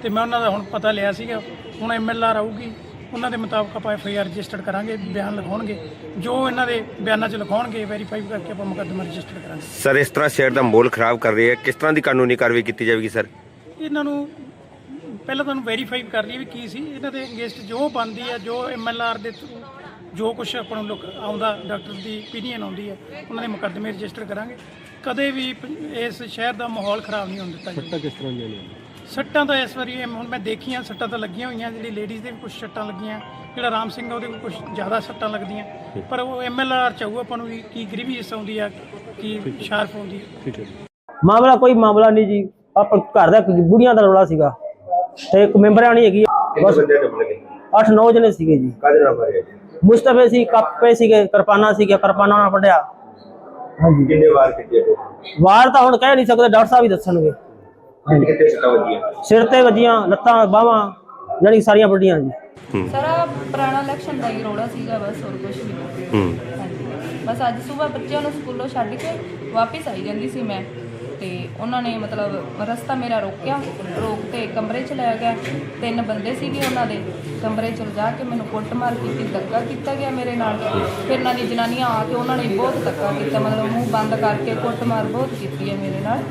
F: ਤੇ ਮੈਂ ਉਹਨਾਂ ਦਾ ਹੁਣ ਪਤਾ ਲਿਆ ਸੀਗਾ। ਹੁਣ MLR ਆਊਗੀ, ਉਹਨਾਂ ਦੇ ਮੁਤਾਬਕ ਆਪਾਂ FIR ਰਜਿਸਟਰ ਕਰਾਂਗੇ, ਬਿਆਨ ਲਿਖਾਉਣਗੇ। ਜੋ ਇਹਨਾਂ ਦੇ ਬਿਆਨਾਂ 'ਚ ਲਿਖਾਉਣਗੇ ਵੈਰੀਫਾਈ ਕਰਕੇ ਆਪਾਂ ਮੁਕੱਦਮਾ ਰਜਿਸਟਰ ਕਰਾਂਗੇ।
D: ਸਰ ਇਸ ਤਰ੍ਹਾਂ ਸ਼ਹਿਰ ਦਾ ਮਾਹੌਲ ਖਰਾਬ ਕਰ ਰਹੇ ਹੈ, ਕਿਸ ਤਰ੍ਹਾਂ ਦੀ ਕਾਨੂੰਨੀ ਕਾਰਵਾਈ ਕੀਤੀ ਜਾਵੇਗੀ ਸਰ?
F: ਇਹਨਾਂ ਨੂੰ ਪਹਿਲਾਂ ਤੁਹਾਨੂੰ ਵੈਰੀਫਾਈ ਕਰ ਲਈ ਵੀ ਕੀ ਸੀ ਇਹਨਾਂ ਦੇ ਅਗੇਂਸਟ ਜੋ ਬਣਦੀ ਹੈ, ਜੋ MLR ਦੇ ਥਰੂ ਜੋ ਕੁਛ ਆਪਾਂ ਨੂੰ ਆਉਂਦਾ, ਡਾਕਟਰ ਦੀ ਓਪੀਨੀਅਨ ਆਉਂਦੀ ਹੈ, ਉਹਨਾਂ ਦੇ ਮੁਕੱਦਮੇ ਰਜਿਸਟਰ ਕਰਾਂਗੇ। ਕਦੇ ਵੀ ਇਸ ਸ਼ਹਿਰ ਦਾ ਮਾਹੌਲ ਖਰਾਬ ਨਹੀਂ ਹੋਣ ਦਿੱਤਾ ਜੀ।
B: ਸੱਟਾਂ ਕਿਸ ਤਰ੍ਹਾਂ ਦੀਆਂ ਨੇ?
F: ਸੱਟਾਂ ਤਾਂ ਇਸ ਵਾਰੀ ਹੁਣ ਮੈਂ ਦੇਖੀਆਂ, ਸੱਟਾਂ ਤਾਂ ਲੱਗੀਆਂ ਹੋਈਆਂ। ਜਿਹੜੀ ਲੇਡੀਜ਼ ਦੇ ਵੀ ਕੁਝ ਸੱਟਾਂ ਲੱਗੀਆਂ, ਜਿਹੜਾ ਰਾਮ ਸਿੰਘ ਆ ਉਹਦੇ ਵੀ ਕੁਝ ਜ਼ਿਆਦਾ ਸੱਟਾਂ ਲੱਗਦੀਆਂ, ਪਰ ਉਹ MLR ਚਾਹੂ ਆਪਾਂ ਨੂੰ ਵੀ ਕੀ ਗ੍ਰੀਵੀਅਸ ਆਉਂਦੀ ਆ, ਕੀ ਸ਼ਾਰਪ ਆਉਂਦੀ ਹੈ।
B: ਠੀਕ ਹੈ।
A: ਮਾਮਲਾ ਕੋਈ ਮਾਮਲਾ ਨਹੀਂ ਜੀ, ਆਪਾਂ ਘਰ ਦਾ ਬੁੜੀਆਂ ਦਾ ਰੌਲਾ ਸੀਗਾ ਤੇ ਇੱਕ ਮੈਂਬਰਾਂ ਨਹੀਂ ਹੈਗੀ, ਬਸ 8-9 ਜਣੇ ਸੀਗੇ ਜੀ।
B: ਕਾਹਦੇ ਨਾਲ ਮਾਰਿਆ ਜੀ?
A: ਮੁਸਤਫੇ ਸੀ, ਕਾਪੇ ਸੀਗੇ, ਕਿਰਪਾਨਾਂ ਸੀਗੇ, ਕਿਰਪਾਨਾਂ ਨਾਲ ਵੱਢਿਆ। ਹਾਂਜੀ,
B: ਕਿੰਨੇ ਵਾਰ ਕਿੱਥੇ?
A: ਵਾਰ ਤਾਂ ਹੁਣ ਕਹਿ ਨਹੀਂ ਸਕਦੇ, ਡਾਕਟਰ ਸਾਹਿਬ ਹੀ ਦੱਸਣਗੇ।
B: ਕਿੱਥੇ ਸੱਟਾਂ ਵੱਜੀਆਂ?
A: ਸਿਰ ਤੇ ਵੱਜੀਆਂ, ਲੱਤਾਂ ਬਾਹਾਂ ਜਾਣੀ ਸਾਰੀਆਂ ਵੱਡੀਆਂ ਜੀ।
C: ਸਾਰਾ ਪੁਰਾਣਾ ਇਲੈਕਸ਼ਨ ਦਾ ਹੀ ਰੌਲਾ ਸੀਗਾ, ਬਸ ਹੋਰ ਕੁਝ ਨਹੀਂ। ਹਾਂਜੀ, ਬਸ ਅੱਜ ਸਵੇਰ ਬੱਚਿਆਂ ਨੂੰ ਸਕੂਲੋਂ ਛੱਡ ਕੇ ਵਾਪਸ ਆਈ ਜਾਂਦੀ ਸੀ ਮੈਂ, ਤੇ ਉਹਨਾਂ ਨੇ ਮਤਲਬ ਰਸਤਾ ਮੇਰਾ ਰੋਕ ਤੇ ਕਮਰੇ 'ਚ ਲੈ ਗਿਆ। 3 ਬੰਦੇ ਸੀਗੇ, ਉਹਨਾਂ ਦੇ ਕਮਰੇ 'ਚ ਲਿਜਾ ਕੇ ਮੈਨੂੰ ਕੁੱਟਮਾਰ ਕੀਤੀ, ਧੱਕਾ ਕੀਤਾ ਗਿਆ ਮੇਰੇ ਨਾਲ। ਫਿਰ ਇਹਨਾਂ ਦੀ ਜਨਾਨੀਆਂ ਆ ਕੇ ਉਹਨਾਂ ਨੇ ਬਹੁਤ ਧੱਕਾ ਕੀਤਾ, ਮਤਲਬ ਮੂੰਹ ਬੰਦ ਕਰਕੇ ਕੁੱਟਮਾਰ ਬਹੁਤ ਕੀਤੀ ਹੈ ਮੇਰੇ ਨਾਲ।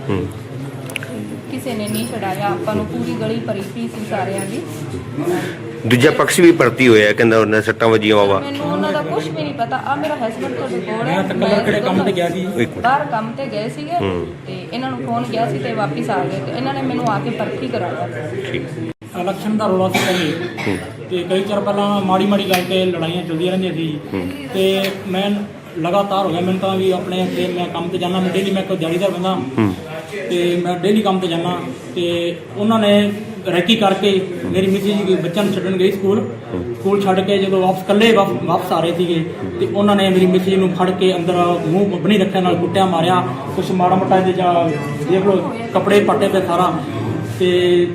C: ਕਿਸੇ ਨੇ ਨਹੀਂ ਛਡਾਇਆ, ਆਪਾਂ ਨੂੰ ਪੂਰੀ ਗਲੀ ਭਰੀ ਪਈ ਸੀ ਸਾਰਿਆਂ ਦੀ।
D: ਦੂਜਾ ਪਕਸ਼ ਵੀ ਭਰਤੀ ਹੋਇਆ, ਕਹਿੰਦਾ ਉਹਨਾਂ ਸੱਟਾਂ ਵੱਜੀਆਂ ਵਾਵਾ।
C: ਮੈਨੂੰ ਉਹਨਾਂ ਦਾ ਕੁਝ ਵੀ ਨਹੀਂ ਪਤਾ। ਆ ਮੇਰਾ ਹਸਬੰਡ ਤੁਹਾਡੇ ਕੋਲ ਹੈ,
E: ਮੈਂ ਤਾਂ ਕਲਰ ਕਿਹੜੇ ਕੰਮ ਤੇ ਗਿਆ ਸੀ?
C: ਬਾਹਰ ਕੰਮ ਤੇ ਗਏ ਸੀਗੇ ਤੇ ਇਹਨਾਂ ਨੂੰ ਫੋਨ ਗਿਆ ਸੀ ਤੇ ਵਾਪਸ ਆ ਗਏ, ਤੇ ਇਹਨਾਂ ਨੇ ਮੈਨੂੰ ਆ ਕੇ ਭਰਤੀ ਕਰਾਇਆ।
E: ਇਲੈਕਸ਼ਨ ਦਾ ਰੌਲਾ ਸੀ ਪਹਿਲੇ, ਤੇ ਕਈ ਚਿਰ ਪਹਿਲਾਂ ਮਾੜੀ ਗੱਲ ਤੇ ਲੜਾਈਆਂ ਚੱਲਦੀਆਂ ਰਹਿੰਦੀਆਂ ਸੀ। ਤੇ ਮੈਂ ਲਗਾਤਾਰ ਹੋ ਗਿਆ ਮੈਨੂੰ ਤਾਂ ਵੀ ਆਪਣੇ ਤੇ ਮੈਂ ਕੰਮ ਤੇ ਜਾਣਾ, ਮੈਂ ਡੇਲੀ, ਮੈਂ ਕੋਈ ਦਿਹਾੜੀਦਾਰ ਬੰਦਾ ਤੇ ਮੈਂ ਡੇਲੀ ਕੰਮ ਤੇ ਜਾਣਾ। ਤੇ ਉਹਨਾਂ ਨੇ ਰੈਕੀ ਕਰਕੇ ਮੇਰੀ ਮਿਸਿਸ ਜੀ ਬੱਚਿਆਂ ਨੂੰ ਛੱਡਣ ਗਈ ਸਕੂਲ ਛੱਡ ਕੇ ਜਦੋਂ ਵਾਪਸ ਆ ਰਹੇ ਸੀਗੇ, ਤੇ ਉਹਨਾਂ ਨੇ ਮੇਰੀ ਮਿਸਿਸ ਨੂੰ ਫੜ ਕੇ ਅੰਦਰ ਮੂੰਹ ਬੰਨੀ ਰੱਖਿਆ, ਨਾਲ ਕੁੱਟਿਆ ਮਾਰਿਆ, ਕੁਛ ਮਾੜਾ ਮੋਟਾ ਇਹਦੇ ਜਾਂ ਦੇਖ ਲਓ ਕੱਪੜੇ ਪੱਟੇ ਤੇ ਸਾਰਾ। ਤੇ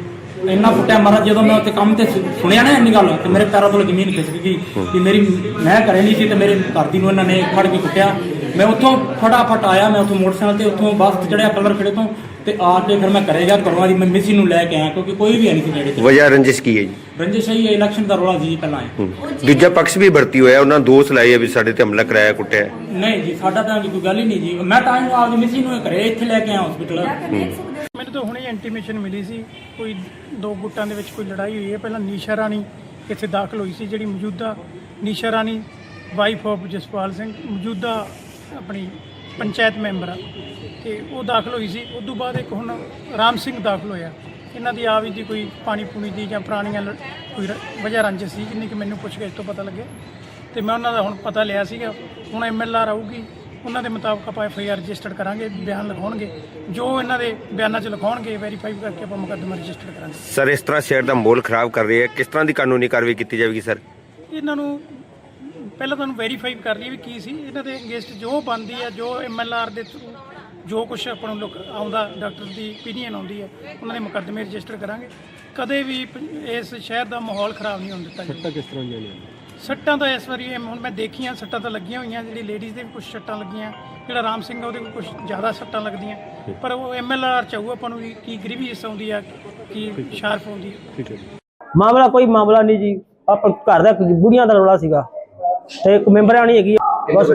E: ਇੰਨਾ ਕੁੱਟਿਆ ਮਾਰਾ, ਜਦੋਂ ਮੈਂ ਉੱਥੇ ਕੰਮ ਤੇ ਸੁਣਿਆ ਨਾ ਇੰਨੀ ਗੱਲ, ਤੇ ਮੇਰੇ ਪੈਰਾਂ ਤੋਂ ਜ਼ਮੀਨ ਖਿਸਕ ਗਈ ਕਿ ਮੈਂ ਘਰੇ ਨਹੀਂ ਸੀ, ਤੇ ਮੇਰੇ ਘਰ ਦੀ ਨੂੰ ਇਹਨਾਂ ਨੇ ਫੜ ਕੇ ਕੁੱਟਿਆ। ਮੈਂ ਉੱਥੋਂ ਫਟਾਫਟ ਆਇਆ, ਮੈਂ ਉੱਥੋਂ ਮੋਟਰਸਾਈਕਲ ਤੇ ਉੱਥੋਂ ਬੱਸ ਚੜਿਆ ਕਲਰ ਖੜੇ ਤੋਂ, ਤੇ ਆ ਕੇ ਫਿਰ ਮੈਂ ਘਰੇ ਗਿਆ। ਘਰੋਂ ਦੀ ਮੈਂ ਮਿਸੀ ਨੂੰ ਲੈ ਕੇ ਆਇਆ, ਕਿਉਂਕਿ ਕੋਈ ਵੀ ਨਹੀਂ ਸੀ ਨੇੜੇ ਤੇ।
D: ਵਜ੍ਹਾ ਰੰਜਿਸ਼ ਕੀ ਹੈ ਜੀ?
E: ਰੰਜਿਸ਼ ਹੀ ਇਲੈਕਸ਼ਨ ਦਾ ਰੌਲਾ ਸੀ ਪਹਿਲਾਂ।
D: ਦੂਜਾ ਪਕਸ਼ ਵੀ ਭਰਤੀ ਹੋਇਆ, ਉਹਨਾਂ ਦੋਸ਼ ਲਾਏ ਆ ਵੀ ਸਾਡੇ ਤੇ ਹਮਲਾ ਕਰਾਇਆ, ਕੁੱਟਿਆ।
E: ਨਹੀਂ ਜੀ, ਸਾਡਾ ਤਾਂ ਕੋਈ ਗੱਲ ਹੀ ਨਹੀਂ ਜੀ। ਮੈਂ ਤਾਂ ਆਪਦੀ ਮਿਸੀ ਨੂੰ ਘਰੇ ਇੱਥੇ ਲੈ ਕੇ ਆਇਆ ਹਸਪੀਟਲ।
F: ਮੈਨੂੰ ਤਾਂ ਹੁਣੇ ਇੰਟੀਮੇਸ਼ਨ ਮਿਲੀ ਸੀ, ਕੋਈ 2 ਗੁੱਟਾਂ ਦੇ ਵਿੱਚ ਕੋਈ ਲੜਾਈ ਹੋਈ ਹੈ। ਪਹਿਲਾਂ ਨੀਸ਼ਾ ਰਾਣੀ ਇੱਥੇ ਦਾਖਲ ਹੋਈ ਸੀ, ਜਿਹੜੀ ਮੌਜੂਦਾ ਨੀਸ਼ਾ ਰਾਣੀ ਵਾਈਫ ਆਫ ਜਸਪਾਲ ਸਿੰਘ, ਮੌਜੂਦਾ ਆਪਣੀ ਪੰਚਾਇਤ ਮੈਂਬਰ ਆ, ਤੇ ਉਹ ਦਾਖਲ ਹੋਈ ਸੀ। ਉਸ ਤੋਂ ਬਾਅਦ ਇੱਕ ਹੁਣ ਰਾਮ ਸਿੰਘ ਦਾਖਲ ਹੋਇਆ। ਇਹਨਾਂ ਦੀ ਆਪ ਦੀ ਕੋਈ ਪਾਣੀ ਪੂਣੀ ਦੀ ਜਾਂ ਪੁਰਾਣੀਆਂ ਕੋਈ ਵਜ੍ਹਾ ਰੰਜਿਸ਼ ਸੀ, ਜਿੰਨੀ ਕਿ ਮੈਨੂੰ ਪੁੱਛ ਕੇ ਤੋਂ ਪਤਾ ਲੱਗਿਆ। ਤੇ ਮੈਂ ਉਹਨਾਂ ਦਾ ਹੁਣ ਪਤਾ ਲਿਆ ਸੀਗਾ। ਹੁਣ MLR ਆਊਗੀ, ਉਹਨਾਂ ਦੇ ਮੁਤਾਬਕ ਆਪਾਂ FIR ਰਜਿਸਟਰ ਕਰਾਂਗੇ, ਬਿਆਨ ਲਿਖਾਉਣਗੇ। ਜੋ ਇਹਨਾਂ ਦੇ ਬਿਆਨਾਂ 'ਚ ਲਿਖਾਉਣਗੇ ਵੈਰੀਫਾਈ ਕਰਕੇ ਆਪਾਂ ਮੁਕੱਦਮਾ ਰਜਿਸਟਰ ਕਰਾਂਗੇ।
D: ਸਰ ਇਸ ਤਰ੍ਹਾਂ ਸ਼ਹਿਰ ਦਾ ਮਾਹੌਲ ਖਰਾਬ ਕਰ ਰਹੇ ਹੈ, ਕਿਸ ਤਰ੍ਹਾਂ ਦੀ ਕਾਨੂੰਨੀ ਕਾਰਵਾਈ ਕੀਤੀ ਜਾਵੇਗੀ ਸਰ?
F: ਇਹਨਾਂ ਨੂੰ ਪਹਿਲਾਂ ਤੁਹਾਨੂੰ ਵੈਰੀਫਾਈ ਕਰ ਲਈ ਵੀ ਕੀ ਸੀ ਇਹਨਾਂ ਦੇ ਅਗੇਂਸਟ ਜੋ ਬਣਦੀ ਹੈ, ਜੋ MLR ਦੇ ਥਰੂ ਜੋ ਕੁਛ ਆਪਾਂ ਨੂੰ ਆਉਂਦਾ, ਡਾਕਟਰ ਦੀ ਓਪੀਨੀਅਨ ਆਉਂਦੀ ਹੈ, ਉਹਨਾਂ ਦੇ ਮੁਕੱਦਮੇ ਰਜਿਸਟਰ ਕਰਾਂਗੇ। ਕਦੇ ਵੀ ਇਸ ਸ਼ਹਿਰ ਦਾ ਮਾਹੌਲ ਖਰਾਬ ਨਹੀਂ ਹੋਣ ਦਿੱਤਾ ਜੀ।
B: ਸੱਟਾਂ ਕਿਸ ਤਰ੍ਹਾਂ ਦੀਆਂ ਨੇ?
F: ਸੱਟਾਂ ਤਾਂ ਇਸ ਵਾਰੀ ਹੁਣ ਮੈਂ ਦੇਖੀਆਂ, ਸੱਟਾਂ ਤਾਂ ਲੱਗੀਆਂ ਹੋਈਆਂ। ਜਿਹੜੀ ਲੇਡੀਜ਼ ਦੇ ਵੀ ਕੁਝ ਸੱਟਾਂ ਲੱਗੀਆਂ, ਜਿਹੜਾ ਰਾਮ ਸਿੰਘ ਆ ਉਹਦੇ ਵੀ ਕੁਝ ਜ਼ਿਆਦਾ ਸੱਟਾਂ ਲੱਗਦੀਆਂ, ਪਰ ਉਹ MLR ਚਾਹੂ ਆਪਾਂ ਨੂੰ ਵੀ ਕੀ ਗ੍ਰੀਵੀਅਸ ਆਉਂਦੀ ਆ, ਕੀ ਸ਼ਾਰਪ ਆਉਂਦੀ ਹੈ।
B: ਠੀਕ ਹੈ।
A: ਮਾਮਲਾ ਕੋਈ ਮਾਮਲਾ ਨਹੀਂ ਜੀ, ਆਪਾਂ ਘਰ ਦਾ ਬੁੜੀਆਂ ਦਾ ਰੌਲਾ ਸੀਗਾ ਤੇ ਇੱਕ ਮੈਂਬਰਾਂ ਨਹੀਂ ਹੈਗੀ, ਬਸ